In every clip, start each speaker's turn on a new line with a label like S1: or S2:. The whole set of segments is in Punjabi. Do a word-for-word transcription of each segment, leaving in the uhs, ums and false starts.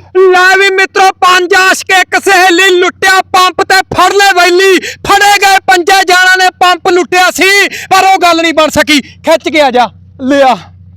S1: ਲੈ ਵੀ ਮਿੱਤਰੋ ਪੰਜ ਆਸ਼ਕ ਇੱਕ ਸਹੇਲੀ ਲੁੱਟਿਆ ਪੰਪ ਤੇ ਫੜ ਲੈ ਵੈਲੀ ਫੜੇ ਗਏ ਪੰਜੇ ਜਾਣਾ ਨੇ ਪੰਪ ਲੁੱਟਿਆ ਸੀ ਪਰ ਉਹ ਗੱਲ ਨਹੀਂ ਬਣ ਸਕੀ ਖਿੱਚ ਕੇ ਆ ਜਾ ਲਿਆ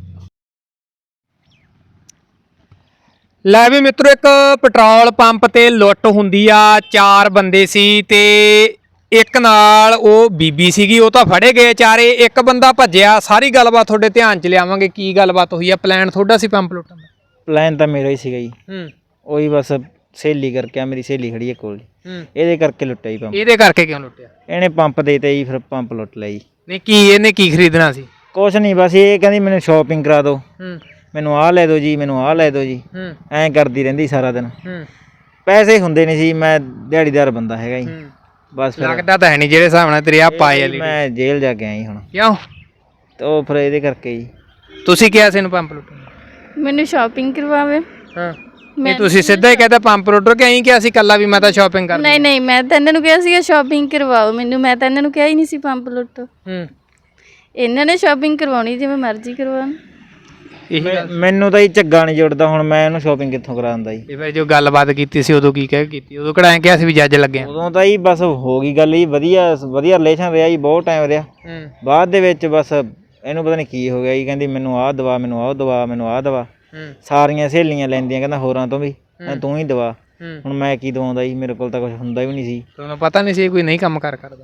S1: ਲੈ ਵੀ ਮਿੱਤਰੋ ਇੱਕ ਪੈਟਰੋਲ ਪੰਪ ਤੇ ਲੁੱਟ ਹੁੰਦੀ ਆ ਚਾਰ ਬੰਦੇ ਸੀ ਤੇ ਇੱਕ ਨਾਲ ਉਹ ਬੀਬੀ ਸੀਗੀ ਉਹ ਤਾਂ ਫੜੇ ਗਏ ਚਾਰੇ ਇੱਕ ਬੰਦਾ ਭੱਜਿਆ ਸਾਰੀ ਗੱਲਬਾਤ ਤੁਹਾਡੇ ਧਿਆਨ ਚ ਲਿਆਵਾਂਗੇ ਕੀ ਗੱਲਬਾਤ ਹੋਈ ਆ ਪਲਾਨ ਤੁਹਾਡਾ ਸੀ ਪੰਪ ਲੁੱਟਣ ਦਾ
S2: ਪਲਾਨ ਤਾਂ ਮੇਰਾ ਹੀ ਸੀਗਾ ਜੀ
S1: ਹੂੰ
S2: ਉਹੀ ਬਸ ਸਹੇਲੀ ਕਰਕੇ ਆ ਮੇਰੀ ਸਹੇਲੀ ਖੜੀ ਹੈ ਕੋਲ
S1: ਹੂੰ
S2: ਇਹਦੇ ਕਰਕੇ ਲੁੱਟਿਆ ਜੀ ਪੰਪ
S1: ਇਹਦੇ ਕਰਕੇ ਕਿਉਂ ਲੁੱਟਿਆ
S2: ਇਹਨੇ ਪੰਪ ਦੇਤੇ ਜੀ ਫਿਰ ਪੰਪ ਲੁੱਟ ਲਿਆ ਜੀ
S1: ਨਹੀਂ ਕੀ ਇਹਨੇ ਕੀ ਖਰੀਦਣਾ ਸੀ
S2: ਕੁਛ ਨਹੀਂ ਬਸ ਇਹ ਕਹਿੰਦੀ ਮੈਨੂੰ ਸ਼ਾਪਿੰਗ ਕਰਾ ਦਿਓ
S1: ਹੂੰ
S2: ਮੈਨੂੰ ਆਹ ਲੈ ਦਿਓ ਜੀ ਮੈਨੂੰ ਆਹ ਲੈ ਦਿਓ ਜੀ
S1: ਹੂੰ
S2: ਐਂ ਕਰਦੀ ਰਹਿੰਦੀ ਸਾਰਾ ਦਿਨ
S1: ਹੂੰ
S2: ਪੈਸੇ ਹੁੰਦੇ ਨਹੀਂ ਸੀ ਮੈਂ ਦਿਹਾੜੀਦਾਰ ਬੰਦਾ ਹੈਗਾ ਜੀ ਬਸ ਫਿਰ
S1: ਲੱਗਦਾ ਤਾਂ ਹੈ ਨਹੀਂ ਜਿਹੜੇ ਹਿਸਾਬ ਨਾਲ ਤੇਰੀ ਆ ਪਾਏ ਵਾਲੀ
S2: ਮੈਂ ਜੇਲ੍ਹ ਜਾ ਕੇ ਆਇਆ ਜੀ ਹੁਣ
S1: ਕਿਉਂ
S2: ਤੇ ਉਹ ਫਿਰ ਇਹਦੇ ਕਰਕੇ ਜੀ
S1: ਤੁਸੀਂ ਕਿਹਾ ਸੀ ਇਹਨੂੰ ਪੰਪ ਲੁੱਟਣ
S3: ਮੈਨੂੰ ਸ਼ਾਪਿੰਗ ਕਰਵਾਵੇ
S1: ਹਾਂ ਨਹੀਂ ਤੁਸੀਂ ਸਿੱਧਾ ਹੀ ਕਹਿੰਦਾ ਪੰਪ ਲੁੱਟੋ ਕਿ ਐਂ ਕਿਹਾ ਸੀ ਕੱਲਾ ਵੀ ਮੈਂ ਤਾਂ ਸ਼ਾਪਿੰਗ ਕਰ
S3: ਨਹੀਂ ਨਹੀਂ ਮੈਂ ਤਾਂ ਇਹਨਾਂ ਨੂੰ ਕਿਹਾ ਸੀਗਾ ਸ਼ਾਪਿੰਗ ਕਰਵਾਓ ਮੈਨੂੰ ਮੈਂ ਤਾਂ ਇਹਨਾਂ ਨੂੰ ਕਿਹਾ ਹੀ ਨਹੀਂ ਸੀ ਪੰਪ ਲੁੱਟੋ
S1: ਹੂੰ
S3: ਇਹਨਾਂ ਨੇ ਸ਼ਾਪਿੰਗ ਕਰਵਾਉਣੀ ਜਿਵੇਂ ਮਰਜ਼ੀ ਕਰਵਾਉਣ
S1: ਇਹੀ ਗੱਲ
S2: ਮੈਨੂੰ ਤਾਂ ਹੀ ਝੱਗਾ ਨਹੀਂ ਜੁੜਦਾ ਹੁਣ ਮੈਂ ਇਹਨੂੰ ਸ਼ਾਪਿੰਗ ਕਿੱਥੋਂ ਕਰਾਉਂਦਾ ਜੀ
S1: ਇਹ ਫਿਰ ਜੋ ਗੱਲਬਾਤ ਕੀਤੀ ਸੀ ਉਦੋਂ ਕੀ ਕਹਿ ਕੀਤੀ ਉਦੋਂ ਕਿਹੜਾ ਐਂ ਕਿਹਾ ਸੀ ਵੀ ਜੱਜ ਲੱਗੇ
S2: ਉਦੋਂ ਤਾਂ ਹੀ ਬਸ ਹੋ ਗਈ ਗੱਲ ਜੀ ਵਧੀਆ ਵਧੀਆ ਰਿਲੇਸ਼ਨ ਰਿਹਾ ਜੀ ਬਹੁਤ ਟਾਈਮ ਰਿਹਾ
S1: ਹੂੰ
S2: ਬਾਅਦ ਦੇ ਵਿੱਚ ਬਸ ਇਹਨੂੰ ਪਤਾ ਨਹੀਂ ਕੀ ਹੋ ਗਿਆ ਜੀ ਕਹਿੰਦੀ ਮੈਨੂੰ ਆਹ ਦਵਾ ਮੈਨੂੰ ਆਹ ਦਵਾ ਮੈਨੂੰ ਆਹ ਦਵਾ
S1: ਹੂੰ
S2: ਸਾਰੀਆਂ ਸਹੇਲੀਆਂ ਲੈਂਦੀਆਂ ਕਹਿੰਦਾ ਹੋਰਾਂ ਤੋਂ ਵੀ ਤੂੰ ਹੀ ਦਵਾ
S1: ਹੂੰ
S2: ਹੁਣ ਮੈਂ ਕੀ ਦਵਾਉਂਦਾ ਜੀ ਮੇਰੇ ਕੋਲ ਤਾਂ ਕੁਝ ਹੁੰਦਾ ਵੀ ਨਹੀਂ ਸੀ
S1: ਤੁਹਾਨੂੰ ਪਤਾ ਨਹੀਂ ਸੀ ਇਹ ਕੋਈ ਨਹੀਂ ਕੰਮ ਕਾਰ ਕਰਦਾ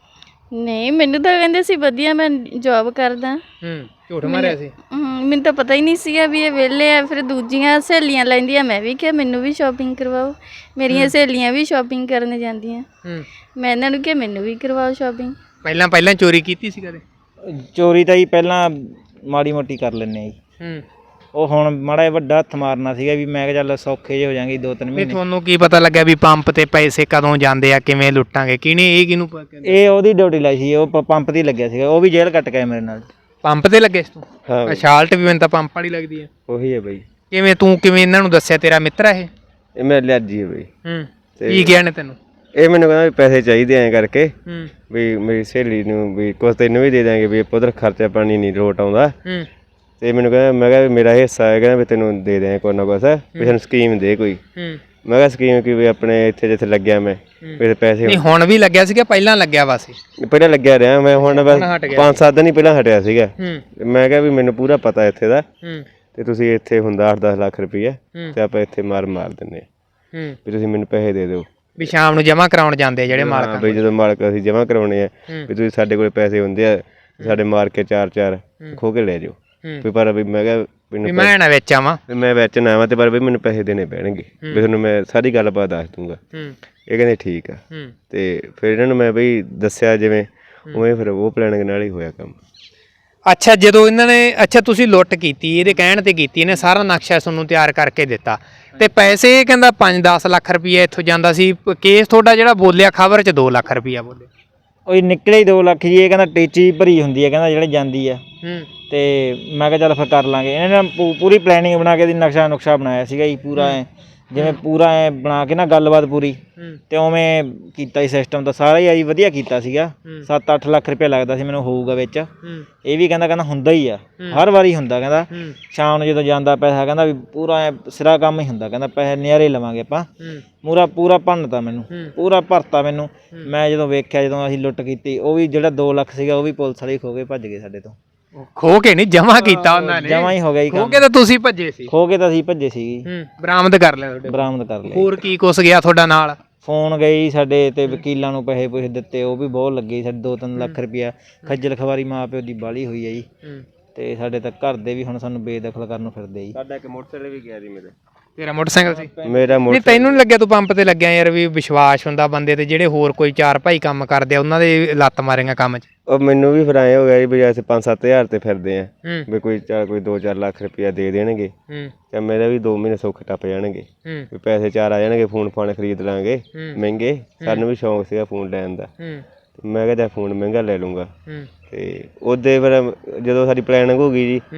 S3: ਨਹੀਂ ਮੈਨੂੰ ਤਾਂ ਕਹਿੰਦੇ ਸੀ ਵਧੀਆ ਮੈਂ ਜੌਬ ਕਰਦਾ
S1: ਹੂੰ ਝੂਠ ਮਾਰਿਆ ਸੀ
S3: ਹਮ, ਮੈਨੂੰ ਤਾਂ ਪਤਾ ਹੀ ਨਹੀਂ ਸੀਗਾ ਵੀ ਇਹ ਵਿਹਲੇ ਆ ਫਿਰ ਦੂਜੀਆਂ ਸਹੇਲੀਆਂ ਲੈਂਦੀਆਂ ਮੈਂ ਵੀ ਕਿਹਾ ਮੈਨੂੰ ਵੀ ਸ਼ਾਪਿੰਗ ਕਰਵਾਓ ਮੇਰੀਆਂ ਸਹੇਲੀਆਂ ਵੀ ਸ਼ਾਪਿੰਗ ਕਰਨ ਜਾਂਦੀਆਂ
S1: ਹੂੰ
S3: ਮੈਂ ਇਹਨਾਂ ਨੂੰ ਕਿਹਾ ਮੈਨੂੰ ਵੀ ਕਰਵਾਓ ਸ਼ਾਪਿੰਗ
S1: ਪਹਿਲਾਂ ਪਹਿਲਾਂ ਚੋਰੀ ਕੀਤੀ ਸੀ ਕਦੇ
S2: ਚੋਰੀ ਤਾਂ ਜੀ ਪਹਿਲਾਂ ਮਾੜੀ ਮੋਟੀ ਕਰ ਲੈਂਦੇ ਆ ਜੀ
S1: ਹੂੰ
S2: ਉਹ ਹੁਣ ਮਾੜਾ ਜਿਹਾ ਵੱਡਾ ਹੱਥ ਮਾਰਨਾ ਸੀਗਾ ਵੀ ਮੈਂ ਕਿਹਾ ਚੱਲ ਸੌਖੇ ਜਿਹੇ ਹੋ ਜਾਣਗੇ ਦੋ ਤਿੰਨ
S1: ਨਹੀਂ
S2: ਮਹੀਨੇ
S1: ਤੁਹਾਨੂੰ ਕੀ ਪਤਾ ਲੱਗਿਆ ਵੀ ਪੰਪ ਤੇ ਪੈਸੇ ਕਦੋਂ ਜਾਂਦੇ ਆ ਕਿਵੇਂ ਲੁੱਟਾਂਗੇ ਕਿਹਨੇ ਇਹ ਕਿਹਨੂੰ ਪ- ਕਹਿੰਦੇ?
S2: ਇਹ ਉਹਦੀ ਡਿਊਟੀ ਲਾਈ ਸੀ ਉਹ ਪ- ਪੰਪ ਤੇ ਹੀ ਲੱਗਿਆ ਸੀਗਾ ਉਹ ਵੀ ਜੇਲ੍ਹ ਕੱਟ ਗਿਆ ਮੇਰੇ ਨਾਲ
S1: ਪੰਪ ਤੇ ਲੱਗੇ ਸੀ ਤੂੰ
S2: ਹਾਂ
S1: ਸ਼ਾਲਟ ਵੀ ਮੈਨੂੰ ਤਾਂ ਪੰਪ ਵਾਲੀ ਲੱਗਦੀ ਆ
S2: ਉਹੀ ਹੈ ਬਈ
S1: ਕਿਵੇਂ ਤੂੰ ਕਿਵੇਂ ਇਹਨਾਂ ਨੂੰ ਦੱਸਿਆ ਤੇਰਾ ਮਿੱਤਰ ਆ ਇਹ
S4: ਇਹ ਮੇਰੇ ਲਿਆਜੀ ਹੈ ਬਈ
S1: ਹੂੰ ਕੀ ਗਿਆ ਨੇ ਤੈਨੂੰ
S4: ਇਹ ਮੈਨੂੰ ਕਹਿੰਦਾ ਵੀ ਪੈਸੇ ਚਾਹੀਦੇ ਐਂ ਕਰਕੇ
S1: ਹੂੰ
S4: ਵੀ ਮੇਰੀ ਸਹੇਲੀ ਨੂੰ ਵੀ ਕੁਛ ਤੈਨੂੰ ਵੀ ਦੇ ਦਾਂਗੇ ਵੀ ਉਧਰ ਖਰਚਾ ਪਾਣੀ ਨਹੀਂ ਲੋਟ ਆਉਂਦਾ
S1: ਹੂੰ
S4: ਤੇ ਮੈਨੂੰ ਕਹਿੰਦਾ ਮੈਂ ਕਿਹਾ ਵੀ ਮੇਰਾ ਹਿੱਸਾ ਹੈ ਕਹਿੰਦਾ ਵੀ ਤੈਨੂੰ ਦੇ ਦਿਆਂ ਕੋਈ ਨਾ ਕੁਛ ਵੀ ਸਾਨੂੰ ਸਕੀਮ ਦੇ ਕੋਈ
S1: ਹੂੰ
S4: ਮੈਂ ਕਿਹਾ ਸਕੀਮ ਕੀ ਵੀ ਆਪਣੇ ਇੱਥੇ ਜਿੱਥੇ ਲੱਗਿਆ ਮੈਂ ਵੀ ਪੈਸੇ
S1: ਨਹੀਂ ਹੁਣ ਵੀ ਲੱਗਿਆ ਸੀਗਾ ਪਹਿਲਾਂ ਲੱਗਿਆ ਵਾ ਸੀ
S4: ਪਹਿਲਾਂ ਲੱਗਿਆ ਰਿਹਾ ਮੈਂ ਹੁਣ ਬਸ
S1: ਹਟ ਗਿਆ
S4: ਪੰਜ ਸੱਤ ਦਿਨ ਹੀ ਪਹਿਲਾਂ ਹਟਿਆ ਸੀਗਾ
S1: ਹੂੰ
S4: ਮੈਂ ਕਿਹਾ ਵੀ ਮੈਨੂੰ ਪੂਰਾ ਪਤਾ ਇੱਥੇ ਦਾ
S1: ਹੂੰ
S4: ਤੇ ਤੁਸੀਂ ਇੱਥੇ ਹੁੰਦਾ ਅੱਠ ਦਸ ਲੱਖ ਰੁਪਈਆ
S1: ਹੂੰ।
S4: ਤੇ ਆਪਾਂ ਇੱਥੇ ਮਾਰ ਮਾਰ ਦਿੰਦੇ ਹਾਂ
S1: ਹੂੰ
S4: ਵੀ ਤੁਸੀਂ ਮੈਨੂੰ ਪੈਸੇ ਦੇ ਦਿਓ
S1: ਵੀ ਸ਼ਾਮ ਨੂੰ ਜਮਾ ਕਰਾਉਣ ਜਾਂਦੇ ਆ ਜਿਹੜੇ
S4: ਹਾਂ
S1: ਮਾਲਕਾਂ
S4: ਬਈ ਜਦੋਂ ਮਾਲਕ ਅਸੀਂ ਜਮ੍ਹਾਂ ਕਰਾਉਣੇ ਆ
S1: ਹੂੰ।
S4: ਵੀ ਤੁਸੀਂ ਸਾਡੇ ਕੋਲ ਪੈਸੇ ਹੁੰਦੇ ਆ ਸਾਡੇ ਮਾਰ ਕੇ ਚਾਰ ਚਾਰ ਖੋ ਕੇ ਲੈ ਜਾਓ
S1: ਹੂੰ।
S4: ਵੀ ਪਰ ਵੀ ਮੈਂ ਕਿਹਾ
S1: ਵੀ
S4: ਮੈਨੂੰ
S1: ਮੈਂ ਨਾ ਵਿੱਚ ਆਵਾਂ
S4: ਵੀ ਮੈਂ ਵਿੱਚ ਨਾ ਆਵਾਂ ਤੇ ਪਰ ਵੀ ਮੈਨੂੰ ਪੈਸੇ ਦੇਣੇ ਪੈਣਗੇ ਵੀ ਤੁਹਾਨੂੰ ਮੈਂ ਸਾਰੀ ਗੱਲਬਾਤ ਦੱਸ ਦੂੰਗਾ
S1: ਹੂੰ
S4: ਇਹ ਕਹਿੰਦੇ ਠੀਕ ਆ
S1: ਹੂੰ
S4: ਤੇ ਫਿਰ ਇਹਨਾਂ ਨੂੰ ਮੈਂ ਬਈ ਦੱਸਿਆ ਜਿਵੇਂ ਉਵੇਂ ਫਿਰ ਉਹ ਪਲਾਨਿੰਗ ਨਾਲ ਹੀ ਹੋਇਆ ਕੰਮ
S1: ਅੱਛਾ ਜਦੋਂ ਇਹਨਾਂ ਨੇ ਅੱਛਾ ਤੁਸੀਂ ਲੁੱਟ ਕੀਤੀ ਇਹਦੇ ਕਹਿਣ ਤੇ ਕੀਤੀ ਇਹਨੇ ਸਾਰਾ ਨਕਸ਼ਾ ਤੁਹਾਨੂੰ ਤਿਆਰ ਕਰਕੇ ਦਿੱਤਾ ਤੇ ਪੈਸੇ ਇਹ ਕਹਿੰਦਾ ਪੰਜ ਦਸ ਲੱਖ ਰੁਪਈਆ ਇੱਥੋਂ ਜਾਂਦਾ ਸੀ ਕੇਸ ਤੁਹਾਡਾ ਜਿਹੜਾ ਬੋਲਿਆ ਖਬਰ 'ਚ ਦੋ ਲੱਖ ਰੁਪਈਆ ਬੋਲਿਆ
S2: ਉਹ ਨਿਕਲੇ ਹੀ ਦੋ ਲੱਖ ਜੀ ਇਹ ਕਹਿੰਦਾ ਟੇਚੀ ਭਰੀ ਹੁੰਦੀ ਹੈ ਕਹਿੰਦਾ ਜਿਹੜੇ ਜਾਂਦੀ ਆ
S1: ਹੂੰ
S2: ਤੇ ਮੈਂ ਕਿਹਾ ਚੱਲ ਫਿਰ ਕਰ ਲਾਂਗੇ ਇਹਨਾਂ ਨੇ ਪੂ- ਪੂਰੀ ਪਲੈਨਿੰਗ ਬਣਾ ਕੇ ਦੀ ਨਕਸ਼ਾ ਨੁਕਸ਼ਾ ਬਣਾਇਆ ਸੀਗਾ ਜੀ ਪੂਰਾ ਐ ਜਿਵੇਂ ਪੂਰਾ ਐ ਬਣਾ ਕੇ ਨਾ ਗੱਲਬਾਤ ਪੂਰੀ
S1: ਹੂੰ
S2: ਤੇ ਉਵੇਂ ਕੀਤਾ ਹੀ ਸਿਸਟਮ ਤਾਂ ਸਾਰਾ ਹੀ ਆ ਜੀ ਵਧੀਆ ਕੀਤਾ ਸੀਗਾ
S1: ਹੂੰ।
S2: ਸੱਤ ਅੱਠ ਲੱਖ ਰੁਪਏ ਲੱਗਦਾ ਸੀ ਮੈਨੂੰ ਹੋਊਗਾ ਵਿੱਚ
S1: ਹੂੰ
S2: ਇਹ ਵੀ ਕਹਿੰਦਾ ਕਹਿੰਦਾ ਹੁੰਦਾ ਹੀ ਆ ਹਰ ਵਾਰੀ ਹੁੰਦਾ ਕਹਿੰਦਾ
S1: ਹੂੰ
S2: ਸ਼ਾਮ ਨੂੰ ਜਦੋਂ ਜਾਂਦਾ ਪੈਸਾ ਕਹਿੰਦਾ ਵੀ ਪੂਰਾ ਐ ਸਿਰਾ ਕੰਮ ਹੀ ਹੁੰਦਾ ਕਹਿੰਦਾ ਪੈਸੇ ਨਿਆਰੇ ਲਵਾਂਗੇ ਆਪਾਂ
S1: ਹੂੰ
S2: ਪੂਰਾ ਪੂਰਾ ਭੰਨਤਾ ਮੈਨੂੰ
S1: ਹੂੰ।
S2: ਪੂਰਾ ਭਰਤਾ ਮੈਨੂੰ ਮੈਂ ਜਦੋਂ ਵੇਖਿਆ ਜਦੋਂ ਅਸੀਂ ਲੁੱਟ ਕੀਤੀ ਉਹ ਵੀ ਜਿਹੜਾ ਦੋ ਲੱਖ ਸੀਗਾ ਉਹ ਵੀ ਪੁਲਿਸ ਵਾਲੇ ਖੋ ਕੇ ਭੱਜ ਗਏ ਸਾਡੇ ਤੋਂ
S1: ਖੋ ਕੇ ਨਹੀਂ ਜਮਾ ਕੀਤਾ ਉਹਨਾਂ ਨੇ
S2: ਜਮਾ ਹੀ ਹੋ ਗਿਆ ਜੀ
S1: ਖੋ
S2: ਕੰਮ
S1: ਕੇ ਤਾਂ ਤੁਸੀਂ ਭੱਜੇ ਸੀ
S2: ਖੋ ਕੇ ਤਾਂ ਅਸੀਂ ਭੱਜੇ ਸੀ
S1: ਹੂੰ ਬਰਾਮਦ ਕਰ ਲਿਆ ਤੁਹਾਡੇ
S2: ਬਰਾਮਦ ਕਰ ਲਿਆ
S1: ਹੋਰ ਕੀ ਕੁਛ ਗਿਆ ਤੁਹਾਡਾ ਨਾਲ
S2: ਫੋਨ ਗਈ ਸਾਡੇ ਤੇ ਵਕੀਲਾਂ ਨੂੰ ਪੈਸੇ ਪੂਸੇ ਦਿੱਤੇ ਉਹ ਵੀ ਬਹੁਤ ਲੱਗੇ ਸਾਡੇ ਦੋ ਤਿੰਨ ਲੱਖ ਰੁਪਇਆ ਖੱਜਲ ਖਵਾਰੀ ਮਾਂ ਪਿਓ ਦੀ ਬਾਲੀ ਹੋਈ ਹੈ ਜੀ
S1: ਹੂੰ
S2: ਤੇ ਸਾਡੇ ਤਾਂ ਘਰ ਦੇ ਵੀ ਹੁਣ ਸਾਨੂੰ ਬੇਦਖਲ ਕਰਨ ਨੂੰ ਫਿਰਦੇ ਜੀ
S4: ਸਾਡਾ ਇੱਕ ਮੋਟਰਸਾਈਕਲ ਵੀ ਗਿਆ ਸੀ ਮੇਰੇ
S1: ਤੇਰਾ ਮੋਟਰਸਾਈਕਲ ਸੀ
S4: ਮੇਰਾ
S1: ਨਹੀਂ ਤੈਨੂੰ ਨਹੀਂ ਲੱਗਿਆ ਤੂੰ ਪੰਪ ਤੇ ਲੱਗਿਆ ਯਾਰ ਵੀ ਵਿਸ਼ਵਾਸ ਹੁੰਦਾ ਬੰਦੇ ਤੇ ਜਿਹੜੇ ਹੋਰ ਕੋਈ ਚਾਰ ਭਾਈ ਕੰਮ ਕਰਦੇ ਆ ਉਹਨਾਂ ਦੇ ਲੱਤ ਮਾਰੇਗਾ ਕੰਮ 'ਚ
S4: ਉਹ ਮੈਨੂੰ ਵੀ ਫਿਰ ਐਂ ਹੋ ਗਿਆ ਜੀ ਵੀ ਅਸੀਂ ਪੰਜ ਸੱਤ ਹਜ਼ਾਰ ਤੇ ਫਿਰਦੇ ਆ
S1: ਹੂੰ
S4: ਵੀ ਕੋਈ ਚਾਰ ਕੋਈ ਦੋ ਚਾਰ ਲੱਖ ਰੁਪਇਆ ਦੇ ਦੇਣਗੇ
S1: ਹੂੰ
S4: ਤੇ ਮੇਰਾ ਵੀ ਦੋ ਮਹੀਨੇ ਸੁੱਖ ਟੱਪ ਜਾਣਗੇ
S1: ਹੂੰ
S4: ਵੀ ਪੈਸੇ ਚਾਰ ਆ ਜਾਣਗੇ ਫੋਨ ਫਾਨ ਖਰੀਦ ਲਾਂਗੇ
S1: ਹੂੰ।
S4: ਮਹਿੰਗੇ ਸਾਨੂੰ ਵੀ ਸ਼ੌਂਕ ਸੀਗਾ ਫੋਨ ਲੈਣ ਦਾ
S1: ਹੂੰ
S4: ਤੇ ਮੈਂ ਕਿਹਾ ਚੱਲ ਫੋਨ ਮਹਿੰਗਾ ਲੈ ਲੂੰਗਾ
S1: ਹੂੰ
S4: ਤੇ ਉਹਦੇ ਫਿਰ ਜਦੋਂ ਸਾਡੀ ਪਲੈਨਿੰਗ ਹੋ ਗਈ ਜੀ
S1: ਹੂੰ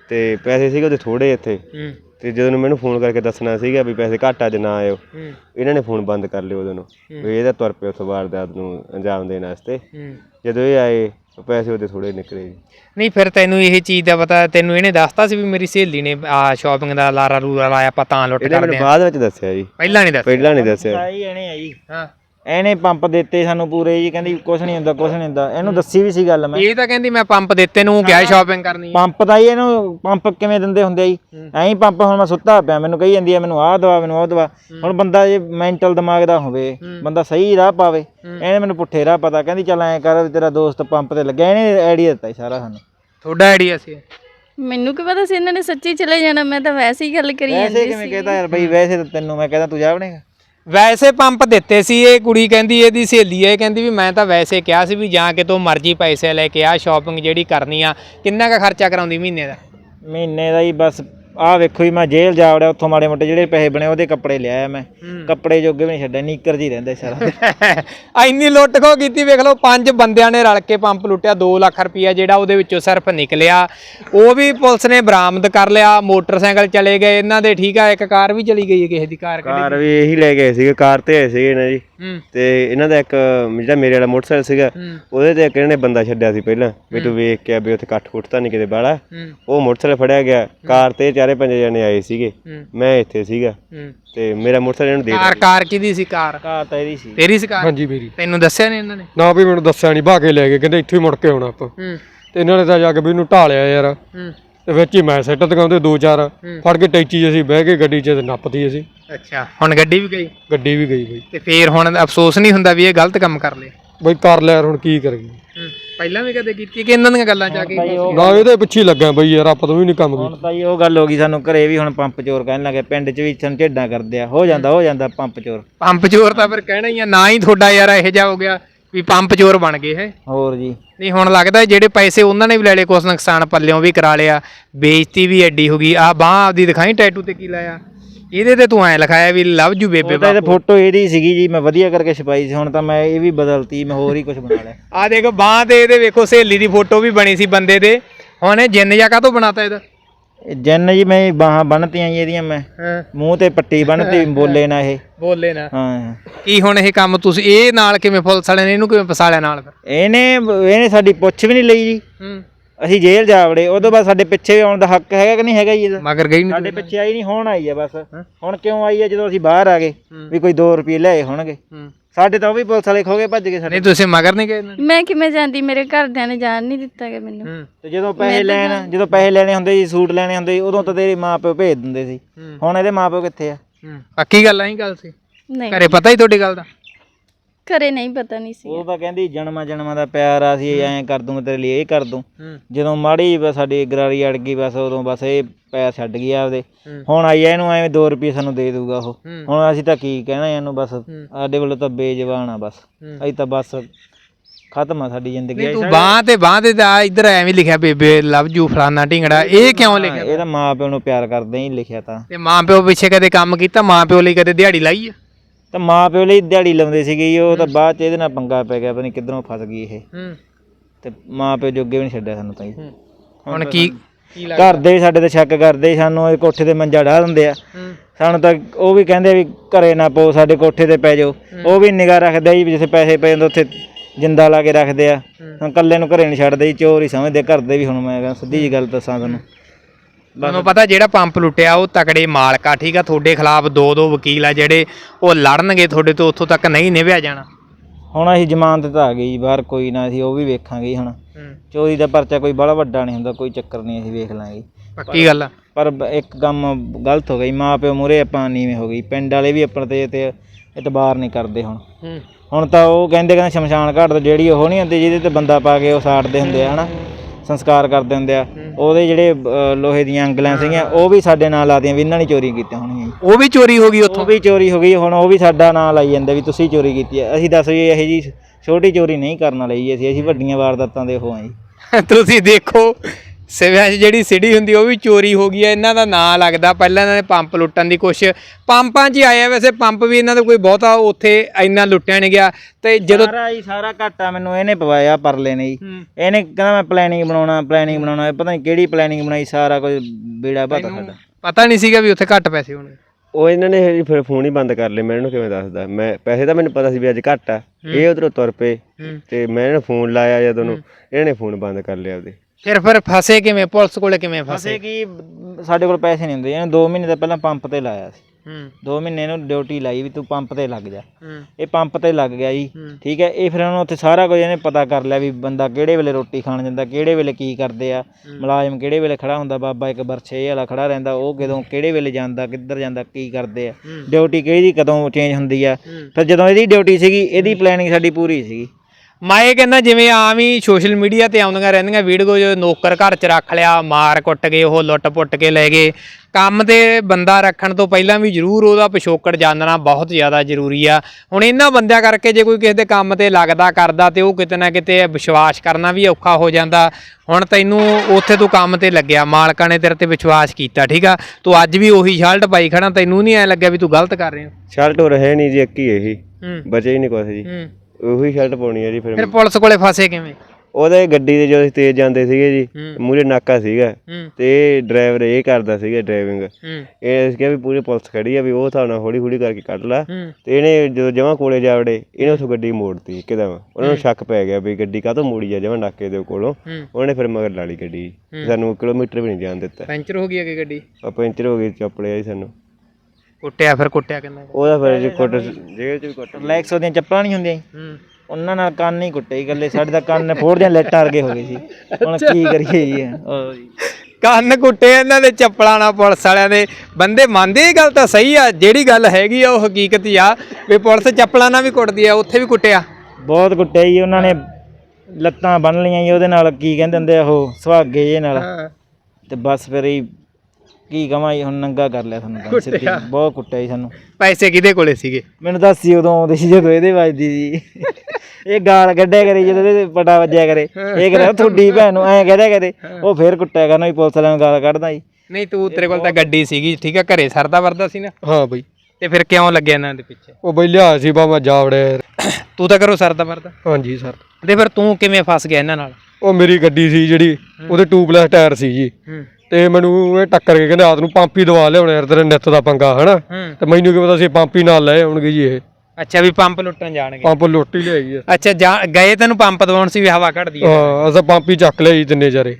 S4: ਤੇ ਪੈਸੇ ਸੀਗੇ ਉਹਦੇ ਥੋੜੇ ਇੱਥੇ
S1: ਹੂੰ
S4: ਤੇ ਜਦੋਂ ਮੈਨੂੰ ਫੋਨ ਕਰਕੇ ਦੱਸਣਾ ਸੀਗਾ ਵੀ ਪੈਸੇ ਘੱਟ ਅੱਜ ਨਾ ਆਇਓ
S1: ਹੂੰ
S4: ਇਹਨਾਂ ਨੇ ਫੋਨ ਬੰਦ ਕਰ ਲਿਆ ਉਦੋਂ ਨੂੰ ਵੀ ਇਹਦਾ ਤੁਰ ਪਿਆ ਉੱਥੋਂ ਵਾਰਦਾਤ ਨੂੰ ਅੰਜਾਮ ਦੇਣ ਵਾਸਤੇ।
S1: ਹੂੰ
S4: ਜਦੋਂ ਇਹ ਆਏ ਪੈਸੇ ਉਹਦੇ ਥੋੜੇ ਨਿਕਲੇ ਜੀ।
S1: ਨਹੀਂ ਫਿਰ ਤੈਨੂੰ ਇਹ ਚੀਜ਼ ਦਾ ਪਤਾ ਤੈਨੂੰ ਇਹਨੇ ਦੱਸਤਾ ਸੀ ਵੀ ਮੇਰੀ ਸਹੇਲੀ ਨੇ ਆ ਸ਼ਾਪਿੰਗ ਦਾ ਲਾਰਾ ਰੂਰਾ ਲਾਇਆ ਆਪਾਂ ਤਾਂ ਲੁੱਟ
S4: ਇਹਨੇ
S1: ਕਰਦੇ
S4: ਮੈਨੂੰ
S1: ਆ
S4: ਬਾਅਦ ਵਿੱਚ ਦੱਸਿਆ ਜੀ,
S1: ਪਹਿਲਾਂ ਨਹੀਂ ਦੱਸਿਆ
S4: ਪਹਿਲਾਂ ਨਹੀਂ ਦੱਸਿਆ।
S2: ਸਾਈ ਇਹਨੇ ਆ ਜੀ,
S1: ਹਾਂ
S2: ਇਹਨੇ ਪੰਪ ਦਿੱਤੇ ਸਾਨੂੰ ਪੂਰੇ ਜੀ, ਕਹਿੰਦੀ ਕੁਛ ਨਹੀਂ ਹੁੰਦਾ ਕੁਛ ਨਹੀਂ ਹੁੰਦਾ। ਇਹਨੂੰ ਦੱਸੀ ਵੀ ਸੀ ਗੱਲ ਮੈਂ,
S1: ਇਹ ਤਾਂ ਕਹਿੰਦੀ ਮੈਂ ਪੰਪ ਦਿੱਤੇ ਨੂੰ ਕਿਹਾ ਸ਼ਾਪਿੰਗ ਕਰਨੀ ਆ।
S2: ਪੰਪ ਤਾਂ ਜੀ ਇਹਨੂੰ ਪੰਪ ਕਿਵੇਂ ਦਿੰਦੇ ਹੁੰਦੇ ਆ ਜੀ, ਐਂ ਹੀ ਪੰਪ ਹੁਣ ਮੈਂ ਸੁੱਤਾ ਪਿਆ ਮੈਨੂੰ ਕਹੀ ਜਾਂਦੀ ਆ ਮੈਨੂੰ ਆਹ ਦਵਾ ਮੈਨੂੰ ਉਹ ਦਵਾ। ਹੁਣ ਬੰਦਾ ਜੇ ਮੈਂਟਲ ਦਿਮਾਗ ਦਾ ਹੋਵੇ ਬੰਦਾ ਸਹੀ ਰਾਹ ਪਾਵੇ, ਇਹਨੇ ਮੈਨੂੰ ਪੁੱਠੇ ਰਾਹ ਪਤਾ, ਕਹਿੰਦੀ ਚੱਲ ਐਂ ਕਰ ਤੇਰਾ ਦੋਸਤ ਪੰਪ ਤੇ ਲੱਗਿਆ, ਇਹਨੇ ਆਈਡੀਆ ਦਿੱਤਾ ਜੀ ਸਾਰਾ ਸਾਨੂੰ।
S1: ਤੁਹਾਡਾ ਆਈਡੀਆ ਸੀ?
S3: ਮੈਨੂੰ ਕੀ ਪਤਾ ਸੀ ਇਹਨਾਂ ਨੇ ਸੱਚੀ ਚਲੇ ਜਾਣਾ, ਮੈਂ ਤਾਂ ਵੈਸੇ ਹੀ ਗੱਲ ਕਰੀ
S2: ਵੈਸੇ
S3: ਜਾਂਦੀ
S2: ਕਿਵੇਂ
S3: ਸੀ।
S2: ਕਹਤਾ ਯਾਰ ਬਈ, ਵੈਸੇ ਤਾਂ ਤੈਨੂੰ ਮੈਂ ਕਹਿੰਦਾ ਤੂੰ ਜਾ ਬਣੇਗਾ।
S1: ਵੈਸੇ ਪੰਪ ਦਿੱਤੇ ਸੀ ਇਹ ਕੁੜੀ, ਕਹਿੰਦੀ ਇਹਦੀ ਸਹੇਲੀ ਹੈ, ਕਹਿੰਦੀ ਵੀ ਮੈਂ ਤਾਂ ਵੈਸੇ ਕਿਹਾ ਸੀ ਵੀ ਜਾਂ ਕਿਤੋਂ ਮਰਜ਼ੀ ਪੈਸੇ ਲੈ ਕੇ ਆ ਸ਼ਾਪਿੰਗ ਜਿਹੜੀ ਕਰਨੀ ਆ। ਕਿੰਨਾ ਕੁ ਖਰਚਾ ਕਰਾਉਂਦੀ ਮਹੀਨੇ ਦਾ?
S2: ਮਹੀਨੇ ਦਾ ਹੀ ਬਸ ਆਹ ਵੇਖੋ ਜੀ, ਮੈਂ ਜੇਲ੍ਹ ਜਾ ਵੜਿਆ ਉੱਥੋਂ ਮਾੜੇ ਮੋਟੇ ਜਿਹੜੇ ਪੈਸੇ ਬਣੇ ਉਹਦੇ ਕੱਪੜੇ ਲਿਆਇਆ ਮੈਂ, ਕੱਪੜੇ ਜੋਗੇ ਵੀ ਨਹੀਂ ਛੱਡਿਆ, ਨੀਕਰ ਜੀ ਰਹਿੰਦੇ ਸਾਰਾ।
S1: ਇੰਨੀ ਲੁੱਟ ਖੋ ਕੀਤੀ, ਵੇਖ ਲਓ ਪੰਜ ਬੰਦਿਆਂ ਨੇ ਰਲ ਕੇ ਪੰਪ ਲੁੱਟਿਆ, ਦੋ ਲੱਖ ਰੁਪਈਆ ਜਿਹੜਾ ਉਹਦੇ ਵਿੱਚੋਂ ਸਿਰਫ ਨਿਕਲਿਆ ਉਹ ਵੀ ਪੁਲਿਸ ਨੇ ਬਰਾਮਦ ਕਰ ਲਿਆ। ਮੋਟਰਸਾਈਕਲ ਚਲੇ ਗਏ ਇਹਨਾਂ ਦੇ, ਠੀਕ ਆ, ਇੱਕ ਕਾਰ ਵੀ ਚਲੀ ਗਈ ਹੈ ਕਿਸੇ ਦੀ ਕਾਰ ਕੱਢੀ।
S4: ਕਾਰ ਵੀ ਇਹੀ ਲੈ ਗਏ ਸੀਗੇ, ਕਾਰ ਤੇ ਆਏ ਸੀਗੇ ਇਹਨਾਂ ਜੀ
S1: ਹੂੰ
S4: ਤੇ ਇਹਨਾਂ ਦਾ ਇੱਕ ਜਿਹੜਾ ਮੇਰੇ ਵਾਲਾ ਮੋਟਰਸਾਈਕਲ ਸੀਗਾ ਉਹਦੇ ਤੇ ਇੱਕ ਇਹਨਾਂ ਨੇ ਬੰਦਾ ਛੱਡਿਆ ਸੀ ਪਹਿਲਾਂ ਵੀ ਤੂੰ ਵੇਖ ਕੇ ਆ ਵੀ ਉੱਥੇ ਕੱਟ ਕੁੱਟ ਤਾਂ ਨਹੀਂ ਕਿਤੇ ਬਾਲਾ। ਉਹ ਮੋਟਰਸਾਈਕਲ ਫੜਿਆ ਗਿਆ, ਕਾਰ ਤੇ ਚਾਰੇ ਪੰਜ ਜਣੇ ਆਏ ਸੀਗੇ, ਮੈਂ ਇੱਥੇ ਸੀਗਾ ਤੇ ਮੇਰਾ ਮੋਟਰਸਾਈਕਲ ਇਹਨੂੰ ਦੇ
S1: ਕਾਰ ਕਾਰ ਕਿਹਦੀ ਸੀ? ਕਾਰ
S2: ਕਾਰ ਤਾਂ ਇਹਦੀ ਸੀ।
S1: ਤੇਰੀ ਸੀ ਕਾਰ?
S5: ਹਾਂਜੀ ਮੇਰੀ।
S1: ਤੈਨੂੰ ਦੱਸਿਆ ਨਹੀਂ ਇਹਨਾਂ ਨੇ?
S5: ਨਾ ਵੀ ਮੈਨੂੰ ਦੱਸਿਆ ਨਹੀਂ, ਭਾਗੇ ਲੈ ਗਏ, ਕਹਿੰਦੇ ਇੱਥੇ ਹੀ ਮੁੜ ਕੇ ਆਉਣਾ ਆਪਾਂ।
S1: ਹੂੰ
S5: ਤੇ ਇਹਨਾਂ ਨੇ ਤਾਂ ਜਾ ਕੇ ਵੀ ਇਹਨੂੰ ਢਾਲਿਆ ਯਾਰ,
S1: ਹੂੰ
S5: ਤੇ ਵਿੱਚ ਹੀ ਮੈਂ ਸੈੱਟ ਦਿਖਾਉਂਦੇ ਦੋ ਚਾਰ ਫੜ ਕੇ ਟੈਚੀ ਅਸੀਂ ਬਹਿ ਕੇ ਗੱਡੀ 'ਚ ਤੇ ਨੱਪਦੀ ਅਸੀਂ।
S1: ਅੱਛਾ, ਹੁਣ ਗੱਡੀ ਵੀ ਗਈ?
S5: ਗੱਡੀ ਵੀ ਗਈ ਬਈ।
S1: ਤੇ ਫੇਰ ਹੁਣ ਅਫਸੋਸ ਨਹੀਂ ਹੁੰਦਾ ਵੀ ਇਹ ਗਲਤ ਕੰਮ ਕਰ ਲਿਆ?
S5: ਬਈ ਕਰ ਲਿਆ ਹੁਣ ਕੀ ਕਰੀਏ।
S1: ਪਹਿਲਾਂ ਵੀ ਕਦੇ ਕੀਤੀ ਕਿ ਇਹਨਾਂ ਦੀਆਂ ਗੱਲਾਂ ਚ ਆ ਕੇ?
S5: ਨਾ ਇਹਦੇ ਪਿੱਛੇ ਹੀ ਲੱਗਾ ਬਈ ਯਾਰ, ਆਪਾਂ ਤੋਂ ਵੀ ਨਹੀਂ ਕੰਮ
S2: ਹੁਣ ਤਾਂ ਜੀ ਉਹ ਗੱਲ ਹੋ ਗਈ, ਸਾਨੂੰ ਘਰੇ ਵੀ ਹੁਣ ਪੰਪ ਚੋਰ ਕਹਿਣ ਲੱਗੇ, ਪਿੰਡ 'ਚ ਵੀ ਸਾਨੂੰ ਢੇਡਾਂ ਕਰਦੇ ਆ, ਹੋ ਜਾਂਦਾ ਹੋ ਜਾਂਦਾ ਪੰਪ ਚੋਰ।
S1: ਪੰਪ ਚੋਰ ਤਾਂ ਫਿਰ ਕਹਿਣਾ ਹੀ ਆ, ਨਾ ਹੀ ਤੁਹਾਡਾ ਯਾਰ ਇਹੋ ਜਿਹਾ ਹੋ ਗਿਆ ਵੀ ਪੰਪ ਚੋਰ ਬਣ ਗਏ ਹੈ।
S2: ਹੋਰ ਜੀ,
S1: ਨਹੀਂ ਹੁਣ ਲੱਗਦਾ ਜਿਹੜੇ ਪੈਸੇ ਉਹਨਾਂ ਨੇ ਵੀ ਲੈ ਲਏ, ਕੁਛ ਨੁਕਸਾਨ ਪੱਲਿਓਂ ਵੀ ਕਰਾ ਲਿਆ, ਬੇਇੱਜ਼ਤੀ ਵੀ ਐਡੀ ਹੋ ਗਈ। ਆ ਬਾਂਹ ਆਪਦੀ ਦਿਖਾਈ ਟੈਟੂ ਤੇ ਕੀ ਲਾਇਆ ਇਹਦੇ ਤੇ? ਤੂੰ ਐ ਲਿਖਾਇਆ ਵੀ ਲਵ ਯੂ ਬੇਬੇ।
S2: ਉਹਦਾ ਇਹ ਫੋਟੋ ਇਹਦੀ ਸੀਗੀ ਜੀ, ਮੈਂ ਵਧੀਆ ਕਰਕੇ ਛਪਾਈ ਸੀ, ਹੁਣ ਤਾਂ ਮੈਂ ਇਹ ਵੀ ਬਦਲਤੀ, ਮੈਂ ਹੋਰ ਹੀ ਕੁਝ ਬਣਾ ਲਿਆ।
S1: ਆ ਦੇਖੋ ਬਾਂਹ ਤੇ ਇਹਦੇ ਵੇਖੋ ਸਹੇਲੀ ਦੀ ਫੋਟੋ ਵੀ ਬਣੀ ਸੀ ਬੰਦੇ ਦੇ, ਹੁਣ ਇਹ ਜਿੰਨ ਜਾ ਕਾਹਤੋਂ ਬਣਾਤਾ ਇਹਦਾ?
S2: ਜਿੰਨ ਜੀ ਮੈਂ ਬਾਹਾਂ ਬੰਨਤੀਆਂ ਜੀ ਇਹਦੀਆਂ, ਮੈਂ
S1: ਹਾਂ
S2: ਮੂੰਹ ਤੇ ਪੱਟੀ ਬੰਨਤੀ, ਬੋਲੇ ਨਾ ਇਹ।
S1: ਬੋਲੇ ਨਾ।
S2: ਹਾਂ,
S1: ਕੀ ਹੁਣ ਇਹ ਕੰਮ ਤੁਸੀਂ ਇਹ ਨਾਲ ਕਿਵੇਂ ਪੁਲਿਸ ਵਾਲਿਆਂ ਨੇ ਇਹਨੂੰ ਕਿਵੇਂ ਫਸਾ ਲਿਆ ਨਾਲ ਫਿਰ?
S2: ਇਹਨੇ ਇਹਨੇ ਸਾਡੀ ਪੁੱਛ ਵੀ ਨਹੀਂ ਲਈ ਜੀ,
S1: ਹੂੰ
S2: ਅਸੀਂ ਜੇਲ੍ਹ ਜਾ ਵੜੇ। ਉਦੋਂ ਬਾਅਦ ਸਾਡੇ ਪਿੱਛੇ ਆਉਣ ਦਾ ਹੱਕ ਹੈਗਾ ਕਿ ਨਹੀਂ ਹੈਗਾ ਜੀ ਇਹਦਾ?
S1: ਮਗਰ ਗਈ ਨਹੀਂ
S2: ਸਾਡੇ ਪਿੱਛੇ ਆਈ ਨਹੀਂ, ਹੁਣ ਆਈ ਆ ਬਸ। ਹੁਣ ਕਿਉਂ ਆਈ ਆ? ਜਦੋਂ ਅਸੀਂ ਬਾਹਰ ਆ ਗਏ ਵੀ ਕੋਈ ਦੋ ਰੁਪਏ ਲਿਆਏ ਹੋਣਗੇ, ਸਾਡੇ ਤਾਂ ਉਹ ਵੀ ਪੁਲਿਸ ਵਾਲੇ ਖੋ ਕੇ ਭੱਜ ਗਏ ਸਾਡੇ।
S1: ਨਹੀਂ ਤੁਸੀਂ ਮਗਰ ਨਹੀਂ ਗਏ ਇਹਨਾਂ ਦੇ?
S3: ਮੈਂ ਕਿਵੇਂ ਜਾਂਦੀ, ਮੇਰੇ ਘਰਦਿਆਂ ਨੇ ਜਾਣ ਨਹੀਂ ਦਿੱਤਾ ਕਿ ਮੈਨੂੰ।
S2: ਤੇ ਜਦੋਂ ਪੈਸੇ ਲੈਣ ਜਦੋਂ ਪੈਸੇ ਲੈਣੇ ਹੁੰਦੇ ਸੀ, ਸੂਟ ਲੈਣੇ ਹੁੰਦੇ ਸੀ, ਉਦੋਂ ਤਾਂ ਤੇਰੇ ਮਾਪਿਓ ਭੇਜ ਦਿੰਦੇ ਸੀ। ਹੁਣ ਇਹਦੇ ਮਾਪਿਓ ਕਿੱਥੇ ਆ?
S1: ਪੱਕੀ ਗੱਲ ਐਂ ਗੱਲ ਸੀ?
S3: ਨਹੀਂ,
S1: ਘਰੇ ਪਤਾ ਹੀ ਤੁਹਾਡੀ ਗੱਲ ਦਾ?
S3: ਘਰੇ ਨਹੀਂ ਪਤਾ ਨਹੀਂ ਸੀ।
S2: ਉਹ ਤਾਂ ਕਹਿੰਦੀ ਜਨਮਾਂ ਜਨਮਾਂ ਦਾ ਪਿਆਰ ਆ, ਅਸੀਂ ਐਂ ਕਰ ਦੂੰਗੇ ਤੇਰੇ ਲਈ, ਇਹ ਕਰ ਦੂੰ। ਜਦੋਂ ਮਾੜੀ ਬਸ ਸਾਡੀ ਗਰਾਰੀ ਅੜ ਗਈ, ਬਸ ਉਦੋਂ ਬਸ ਇਹ ਪੈਰ ਛੱਡ ਗਈ ਆਪਦੇ। ਹੁਣ ਆਈ ਇਹਨੂੰ ਐਵੇਂ ਦੋ ਰੁਪਏ ਸਾਨੂੰ ਦੇ ਦੂਗਾ ਉਹ। ਹੁਣ ਅਸੀਂ ਤਾਂ ਕੀ ਕਹਿਣਾ ਇਹਨੂੰ, ਬਸ ਸਾਡੇ ਵੱਲੋਂ ਤਾਂ ਬੇਜ਼ਬਾਨ ਆ ਬਸ। ਅਸੀਂ ਤਾਂ ਬਸ ਖਤਮ ਆ ਸਾਡੀ ਜ਼ਿੰਦਗੀ।
S1: ਤੂੰ ਬਾਂਹ ਤੇ ਬਾਂਹ ਤੇ ਤਾਂ ਇੱਧਰ ਐਵੇਂ ਲਿਖਿਆ ਬੇਬੇ ਲਵ ਯੂ ਫਲਾਨਾ ਢਿੰਗੜਾ, ਇਹ ਕਿਉਂ ਲਿਖਿਆ?
S2: ਇਹਦਾ ਮਾਂ ਪਿਓ ਨੂੰ ਪਿਆਰ ਕਰਦੇ ਹੀ ਲਿਖਿਆ ਤਾਂ।
S1: ਤੇ ਮਾਂ ਪਿਓ ਪਿੱਛੇ ਕਦੇ ਕੰਮ ਕੀਤਾ? ਮਾਂ ਪਿਓ ਲਈ ਕਦੇ ਦਿਹਾੜੀ ਲਾਈ ਆ?
S2: ਤਾਂ ਮਾਂ ਪਿਓ ਲਈ ਦਿਹਾੜੀ ਲਾਉਂਦੇ ਸੀਗੇ ਜੀ, ਉਹ ਤਾਂ ਬਾਅਦ ਚ ਇਹਦੇ ਨਾਲ ਪੰਗਾ ਪੈ ਗਿਆ, ਪਤਾ ਨਹੀਂ ਕਿੱਧਰੋਂ ਫਸ ਗਈ ਇਹ। ਤੇ ਮਾਂ ਪਿਓ ਜੋਗੇ ਵੀ ਨਹੀਂ ਛੱਡਿਆ ਸਾਨੂੰ ਤਾਂ ਜੀ।
S1: ਹੁਣ ਕੀ
S2: ਘਰ ਦੇ ਸਾਡੇ ਤੇ ਸ਼ੱਕ ਕਰਦੇ, ਸਾਨੂੰ ਇਹ ਕੋਠੇ ਤੇ ਮੰਜਾ ਢਾ ਦਿੰਦੇ ਆ। ਸਾਨੂੰ ਤਾਂ ਉਹ ਵੀ ਕਹਿੰਦੇ ਵੀ ਘਰੇ ਨਾ ਪਓ, ਸਾਡੇ ਕੋਠੇ ਤੇ ਪੈ ਜਾਓ। ਉਹ ਵੀ ਨਿਗਾਹ ਰੱਖਦੇ ਆ ਜੀ, ਜਿੱਥੇ ਪੈਸੇ ਪਏ ਜਾਂਦੇ ਉੱਥੇ ਜਿੰਦਾ ਲਾ ਕੇ ਰੱਖਦੇ ਆ। ਹੁਣ ਇਕੱਲੇ ਨੂੰ ਘਰੇ ਨਹੀਂ ਛੱਡਦੇ ਜੀ, ਚੋਰ ਹੀ ਸਮਝਦੇ ਘਰ ਦੇ ਵੀ। ਹੁਣ ਮੈਂ ਕਹਿੰਦਾ ਸਿੱਧੀ ਜੀ ਗੱਲ ਦੱਸਾਂ ਤੁਹਾਨੂੰ,
S1: ਤੁਹਾਨੂੰ ਪਤਾ ਜਿਹੜਾ ਪੰਪ ਲੁੱਟਿਆ ਉਹ ਤਕੜੇ ਮਾਲਕ ਆ, ਠੀਕ ਆ? ਤੁਹਾਡੇ ਖਿਲਾਫ ਦੋ ਦੋ ਵਕੀਲ ਆ ਜਿਹੜੇ ਉਹ ਲੜਨਗੇ ਤੁਹਾਡੇ ਤੋਂ, ਉੱਥੋਂ ਤੱਕ ਨਹੀਂ ਨਿਭਿਆ ਜਾਣਾ।
S2: ਹੁਣ ਅਸੀਂ ਜ਼ਮਾਨਤ ਤਾਂ ਆ ਗਈ ਜੀ ਬਾਹਰ, ਕੋਈ ਨਾ ਅਸੀਂ ਉਹ ਵੀ ਵੇਖਾਂਗੇ। ਹੁਣ ਚੋਰੀ ਦਾ ਪਰਚਾ ਕੋਈ ਬੜਾ ਵੱਡਾ ਨਹੀਂ ਹੁੰਦਾ, ਕੋਈ ਚੱਕਰ ਨਹੀਂ, ਅਸੀਂ ਵੇਖ ਲਾਂਗੇ।
S1: ਪੱਕੀ ਗੱਲ ਆ।
S2: ਪਰ ਇੱਕ ਕੰਮ ਗਲਤ ਹੋ ਗਈ, ਮਾਂ ਪਿਓ ਮੂਹਰੇ ਆਪਾਂ ਨੀਵੇਂ ਹੋ ਗਈ। ਪਿੰਡ ਵਾਲੇ ਵੀ ਆਪਣੇ ਤੇ ਤੇ ਇਤਬਾਰ ਨਹੀਂ ਕਰਦੇ ਹੁਣ। ਹੁਣ ਤਾਂ ਉਹ ਕਹਿੰਦੇ ਕਹਿੰਦੇ ਸ਼ਮਸ਼ਾਨ ਘਾਟ ਤੋਂ ਜਿਹੜੀ ਉਹ ਨਹੀਂ ਹੁੰਦੀ ਜਿਹਦੇ ਤੇ ਬੰਦਾ ਪਾ ਕੇ ਉਹ ਸਾੜਦੇ ਹੁੰਦੇ ਆ, ਹਨਾ, ਸੰਸਕਾਰ ਕਰਦੇ ਹੁੰਦੇ ਆ, ਉਹਦੇ ਜਿਹੜੇ ਲੋਹੇ ਦੀਆਂ ਅੰਗਲਾਂ ਸੀਗੀਆਂ ਉਹ ਵੀ ਸਾਡੇ ਨਾਲ ਲਾਦੀਆਂ ਵੀ ਇਹਨਾਂ ਨੇ ਚੋਰੀ ਕੀਤੀਆਂ ਹੋਣੀਆਂ।
S1: ਉਹ ਵੀ ਚੋਰੀ ਹੋ ਗਈ ਉੱਥੋਂ?
S2: ਉਹ ਵੀ ਚੋਰੀ ਹੋ ਗਈ। ਹੁਣ ਉਹ ਵੀ ਸਾਡਾ ਨਾਂ ਲਾਈ ਜਾਂਦੇ ਵੀ ਤੁਸੀਂ ਚੋਰੀ ਕੀਤੀ ਹੈ। ਅਸੀਂ ਦੱਸ ਵੀ ਇਹੋ ਜੀ ਛੋਟੀ ਚੋਰੀ ਨਹੀਂ ਕਰਨ ਵਾਲੇ ਜੀ, ਅਸੀਂ ਅਸੀਂ ਵੱਡੀਆਂ ਵਾਰਦਾਤਾਂ ਦੇ ਉਹ ਆਂ ਜੀ।
S1: ਤੁਸੀਂ ਦੇਖੋ ਸਿਵਿਆਂ 'ਚ ਜਿਹੜੀ ਸਿਟੀ ਹੁੰਦੀ ਉਹ ਵੀ ਚੋਰੀ ਹੋ ਗਈ ਹੈ। ਇਹਨਾਂ ਦਾ ਨਾਂ ਲੱਗਦਾ, ਪਹਿਲਾਂ ਇਹਨਾਂ ਨੇ ਪੰਪ ਲੁੱਟਣ ਦੀ ਕੋਸ਼ਿਸ਼, ਪੰਪਾਂ 'ਚ ਹੀ ਆਏ ਆ ਵੈਸੇ, ਪੰਪ ਵੀ ਇਹਨਾਂ ਦਾ ਕੋਈ ਬਹੁਤਾ ਉੱਥੇ ਇੰਨਾ ਲੁੱਟਿਆ ਨਹੀਂ ਗਿਆ। ਤੇ ਜਦੋਂ
S2: ਸਾਰਾ ਹੀ ਸਾਰਾ ਘਾਟਾ ਮੈਨੂੰ ਇਹਨੇ ਪਵਾਇਆ ਪਰਲੇ ਨੇ ਜੀ। ਇਹਨੇ ਕਹਿੰਦਾ ਮੈਂ ਪਲੈਨਿੰਗ ਬਣਾਉਣਾ ਪਲੈਨਿੰਗ ਬਣਾਉਣਾ ਪਤਾ ਨਹੀਂ ਕਿਹੜੀ ਪਲੈਨਿੰਗ ਬਣਾਈ, ਸਾਰਾ ਕੁਝ ਬੇੜਾ ਪਤਾ ਸਾਡਾ।
S1: ਪਤਾ ਨਹੀਂ ਸੀਗਾ ਵੀ ਉੱਥੇ ਘੱਟ ਪੈਸੇ ਹੋਣਗੇ।
S4: ਉਹ ਇਹਨਾਂ ਨੇ ਹਜੇ ਫਿਰ ਫੋਨ ਹੀ ਬੰਦ ਕਰ ਲਏ। ਮੈਂ ਇਹਨੂੰ ਕਿਵੇਂ ਦੱਸਦਾ, ਮੈਂ ਪੈਸੇ ਤਾਂ ਮੈਨੂੰ ਪਤਾ ਸੀ ਵੀ ਅੱਜ ਘੱਟ ਆ, ਇਹ ਉਧਰੋਂ ਤੁਰ ਪਏ ਤੇ ਮੈਂ ਇਹਨਾਂ ਨੂੰ ਫੋਨ ਲਾਇਆ ਜਦੋਂ ਨੂੰ, ਇਹਨਾਂ ਨੇ ਫੋਨ ਬੰਦ ਕਰ ਲਿਆ ਆਪਦੇ।
S1: ਫਿਰ ਫਿਰ ਫਸੇ ਕਿਵੇਂ, ਪੁਲਿਸ ਕੋਲੇ ਕਿਵੇਂ ਫਸੇ?
S2: ਫਸੇ ਕੀ, ਸਾਡੇ ਕੋਲ ਪੈਸੇ ਨਹੀਂ ਹੁੰਦੇ। ਇਹਨੇ ਦੋ ਮਹੀਨੇ ਤੋਂ ਪਹਿਲਾਂ ਪੰਪ ਤੇ ਲਾਇਆ ਸੀ, ਦੋ ਮਹੀਨੇ ਇਹਨੂੰ ਡਿਊਟੀ ਲਾਈ ਵੀ ਤੂੰ ਪੰਪ ਤੇ ਲੱਗ ਜਾ। ਇਹ ਪੰਪ ਤੇ ਲੱਗ ਗਿਆ ਜੀ, ਠੀਕ ਹੈ। ਇਹ ਫਿਰ ਉਹਨੂੰ ਉੱਥੇ ਸਾਰਾ ਕੁਝ ਇਹਨੇ ਪਤਾ ਕਰ ਲਿਆ ਵੀ ਬੰਦਾ ਕਿਹੜੇ ਵੇਲੇ ਰੋਟੀ ਖਾਣ ਜਾਂਦਾ, ਕਿਹੜੇ ਵੇਲੇ ਕੀ ਕਰਦੇ ਆ, ਮੁਲਾਜ਼ਮ ਕਿਹੜੇ ਵੇਲੇ ਖੜਾ ਹੁੰਦਾ, ਬਾਬਾ ਇੱਕ ਬਰਛੇ ਵਾਲਾ ਖੜਾ ਰਹਿੰਦਾ, ਉਹ ਕਦੋਂ ਕਿਹੜੇ ਵੇਲੇ ਜਾਂਦਾ, ਕਿੱਧਰ ਜਾਂਦਾ, ਕੀ ਕਰਦੇ ਆ, ਡਿਊਟੀ ਕਿਹਦੀ ਕਦੋਂ ਚੇਂਜ ਹੁੰਦੀ ਆ। ਫਿਰ ਜਦੋਂ ਇਹਦੀ ਡਿਊਟੀ ਸੀਗੀ, ਇਹਦੀ ਪਲੈਨਿੰਗ ਸਾਡੀ ਪੂਰੀ ਸੀਗੀ।
S1: ਮੈਂ ਇਹ ਕਹਿੰਦਾ ਜਿਵੇਂ ਆਮ ਹੀ ਸੋਸ਼ਲ ਮੀਡੀਆ ਤੇ ਆਉਂਦੀਆਂ ਰਹਿੰਦੀਆਂ ਵੀਡੀਓ, ਜੋ ਨੌਕਰ ਘਰ 'ਚ ਰੱਖ ਲਿਆ, ਮਾਰ ਕੁੱਟ ਗਏ, ਉਹ ਲੁੱਟ ਪੁੱਟ ਕੇ ਲੈ ਗਏ। ਕੰਮ ਤੇ ਬੰਦਾ ਰੱਖਣ ਤੋਂ ਪਹਿਲਾਂ ਵੀ ਜ਼ਰੂਰ ਉਹਦਾ ਪਿਛੋਕੜ ਜਾਣਨਾ ਬਹੁਤ ਜ਼ਿਆਦਾ ਜ਼ਰੂਰੀ ਆ। ਹੁਣ ਇਹਨਾਂ ਬੰਦਿਆਂ ਕਰਕੇ ਜੇ ਕੋਈ ਕਿਸੇ ਦੇ ਕੰਮ ਤੇ ਲੱਗਦਾ ਕਰਦਾ ਤੇ ਉਹ ਕਿਤੇ ਨਾ ਕਿਤੇ ਵਿਸ਼ਵਾਸ ਕਰਨਾ ਵੀ ਔਖਾ ਹੋ ਜਾਂਦਾ। ਹੁਣ ਤੈਨੂੰ ਉੱਥੇ ਤੂੰ ਕੰਮ ਤੇ ਲੱਗਿਆ, ਮਾਲਕਾਂ ਨੇ ਤੇਰੇ ਤੇ ਵਿਸ਼ਵਾਸ ਕੀਤਾ, ਠੀਕ ਆ, ਤੂੰ ਅੱਜ ਵੀ ਉਹੀ ਸ਼ਰਟ ਪਾਈ ਖੜਾ, ਤੈਨੂੰ ਨਹੀਂ ਐ ਲੱਗਿਆ ਵੀ ਤੂੰ ਗਲਤ ਕਰ ਰਿਹਾ?
S4: ਸ਼ਰਟ ਹੋ ਰਹੇ ਨਹੀਂ ਜੀ, ਇੱਕ ਹੀ ਇਹੀ ਬਚੇ ਹੀ ਨਹੀਂ ਕੁਛ ਜੀ, ਉਹੀ ਸ਼ਰਟ ਪਾਉਣੀ ਹੈ ਜੀ। ਫਿਰ
S1: ਫਿਰ ਪੁਲਿਸ ਕੋਲੇ ਫਸੇ ਕਿਵੇਂ?
S4: ਉਹਦੇ ਗੱਡੀ ਦੇ ਜਦੋਂ ਅਸੀਂ ਤੇਜ਼ ਜਾਂਦੇ ਸੀਗੇ ਜੀ, ਮੂਹਰੇ ਨਾਕਾ ਸੀਗਾ ਤੇ ਡਰਾਈਵਰ ਇਹ ਕਰਦਾ ਸੀਗਾ ਡਰਾਈਵਿੰਗ। ਇਹ ਅਸੀਂ ਕਿਹਾ ਵੀ ਪੂਰੀ ਪੁਲਿਸ ਖੜੀ ਆ ਵੀ ਉਹ ਹਿਸਾਬ ਨਾਲ ਹੌਲੀ ਹੌਲੀ ਕਰਕੇ ਕੱਢ ਲਾ। ਤੇ ਇਹਨੇ ਜਦੋਂ ਜਮਾਂ ਕੋਲੇ ਜਾ ਵੜੇ, ਇਹਨੇ ਉੱਥੋਂ ਗੱਡੀ ਮੋੜਤੀ ਇੱਕਦਮ। ਉਹਨਾਂ ਨੂੰ ਸ਼ੱਕ ਪੈ ਗਿਆ ਵੀ ਗੱਡੀ ਕਾਹਤੋਂ ਮੋੜੀ ਆ ਜਮਾਂ ਨਾਕੇ ਦੇ ਕੋਲੋਂ। ਉਹਨੇ ਫਿਰ ਮਗਰ ਲਾ ਲਈ ਗੱਡੀ, ਸਾਨੂੰ ਕਿਲੋਮੀਟਰ ਵੀ ਨਹੀਂ ਜਾਣ ਦਿੱਤਾ।
S1: ਪੈਂਚਰ ਹੋ ਗਈ ਅੱਗੇ ਗੱਡੀ,
S4: ਪੈਂਚਰ ਹੋ ਗਈ, ਚੱਪੜਿਆ ਜੀ ਸਾਨੂੰ।
S1: ਕੁੱਟਿਆ ਫਿਰ ਕੁੱਟਿਆ ਕਿੰਨਾ?
S4: ਉਹਦਾ ਫਿਰ ਜੀ ਕੁੱਟ ਜੇਲ੍ਹ 'ਚ ਵੀ ਕੁੱਟ।
S2: ਰਿਲੈਕਸ ਉਹਦੀਆਂ ਚੱਪਲਾਂ ਨਹੀਂ ਹੁੰਦੀਆਂ, ਉਹਨਾਂ ਨਾਲ ਕੰਨ ਹੀ ਕੁੱਟੇ ਹੀ ਇਕੱਲੇ। ਸਾਡੇ ਤਾਂ ਕੰਨ ਫੋੜਦਿਆਂ ਲੈਟਾਂ ਵਰਗੇ ਹੋ ਗਏ ਸੀ। ਹੁਣ ਕੀ ਕਰੀਏ ਜੀ? ਉਹ ਜੀ
S1: ਕੰਨ ਕੁੱਟੇ ਇਹਨਾਂ ਦੇ ਚੱਪਲਾਂ ਨਾਲ ਪੁਲਿਸ ਵਾਲਿਆਂ ਦੇ। ਬੰਦੇ ਮੰਨਦੇ ਇਹ ਗੱਲ ਤਾਂ ਸਹੀ ਆ, ਜਿਹੜੀ ਗੱਲ ਹੈਗੀ ਆ ਉਹ ਹਕੀਕਤ ਹੀ ਆ ਵੀ ਪੁਲਿਸ ਚੱਪਲਾਂ ਨਾਲ ਵੀ ਕੁੱਟਦੀ ਆ। ਉੱਥੇ ਵੀ ਕੁੱਟਿਆ,
S2: ਬਹੁਤ ਕੁੱਟਿਆ ਜੀ ਉਹਨਾਂ ਨੇ। ਲੱਤਾਂ ਬੰਨ ਲਈਆਂ ਜੀ ਉਹਦੇ ਨਾਲ, ਕੀ ਕਹਿੰਦੇ ਹੁੰਦੇ ਆ ਉਹ, ਸੁਹਾਗੇ ਜੇ ਨਾਲ। ਤੇ ਬਸ ਫਿਰ ਹੀ ਕੀ ਕਵਾਂ ਜੀ, ਹੁਣ ਨੰਗਾ ਕਰ ਲਿਆ ਸਾਨੂੰ ਤਾਂ ਸਿੱਧੀ। ਬਹੁਤ ਕੁੱਟਿਆ ਜੀ ਸਾਨੂੰ।
S1: ਪੈਸੇ ਕਿਹਦੇ ਕੋਲੇ ਸੀਗੇ?
S2: ਮੈਨੂੰ ਦੱਸੀ ਉਦੋਂ ਆਉਂਦੇ ਸੀ ਜਦੋਂ ਇਹਦੇ ਵੱਜਦੀ ਸੀ। ਇਹ ਗਾਲ ਕੱਢਿਆ ਕਰੇ ਜਦੋਂ ਇਹਦੇ ਪਟਾ ਵੱਜਿਆ ਕਰੇ, ਇਹ ਕਰੇ ਤੁਹਾਡੀ ਭੈਣ ਨੂੰ ਐਂ ਕਹਿ ਕਰੇ, ਉਹ ਫੇਰ ਕੁੱਟਿਆ ਕਰਨਾ ਵੀ ਪੁਲਿਸ ਵਾਲਿਆਂ ਨੂੰ ਗਾਲ ਕੱਢਦਾ ਜੀ।
S1: ਨਹੀਂ ਤੂੰ, ਤੇਰੇ ਕੋਲ ਤਾਂ ਗੱਡੀ ਸੀਗੀ, ਠੀਕ ਆ, ਘਰੇ ਸਰਦਾ ਵਰਦਾ ਸੀ ਨਾ?
S5: ਹਾਂ ਬਈ।
S1: ਤੇ ਫਿਰ ਕਿਉਂ ਲੱਗਿਆ ਇਹਨਾਂ ਦੇ ਪਿੱਛੇ?
S5: ਉਹ ਬਈ ਲਿਆ ਸੀ ਬਾ ਮੈਂ ਜਾ ਵੜਿਆ।
S1: ਤੂੰ ਤਾਂ ਘਰੋਂ ਸਰਦਾ ਵਰਦਾ?
S5: ਹਾਂਜੀ ਸਰ।
S1: ਤੇ ਫਿਰ ਤੂੰ ਕਿਵੇਂ ਫਸ ਗਿਆ ਇਹਨਾਂ ਨਾਲ?
S5: ਉਹ ਮੇਰੀ ਗੱਡੀ ਸੀ ਜਿਹੜੀ, ਉਹਦੇ ਟੂਬਲੈਸ ਟਾਇਰ ਸੀ ਜੀ, ਤੇ ਮੈਨੂੰ ਇਹ ਟੱਕਰ ਕੇ ਕਹਿੰਦੇ ਰਾਤ ਨੂੰ ਪੰਪ ਹੀ ਦਵਾ ਲਿਆਉਣਾ ਯਾਰ, ਤੇਰੇ ਨਿੱਤ ਦਾ ਪੰਗਾ ਹਨਾ। ਤੇ ਮੈਨੂੰ ਕੀ ਪਤਾ ਸੀ ਪੰਪ ਹੀ ਨਾਲ ਲੈ ਆਉਣਗੇ ਜੀ ਇਹ।
S1: ਅੱਛਾ, ਵੀ ਪੰਪ ਲੁੱਟਣ ਜਾਣਗੇ?
S5: ਪੰਪ ਲੁੱਟ ਹੀ ਲਿਆਈ ਆ।
S1: ਅੱਛਾ, ਜਾ ਗਏ ਤੈਨੂੰ ਪੰਪ ਦਵਾਉਣ ਸੀ ਵੀ ਹਵਾ ਘੜਦੀ ਆ?
S5: ਹਾਂ, ਅਸਾਂ ਪੰਪ ਹੀ ਚੱਕ ਲਿਆ ਜੀ ਤਿੰਨੇ ਚਾਰੇ।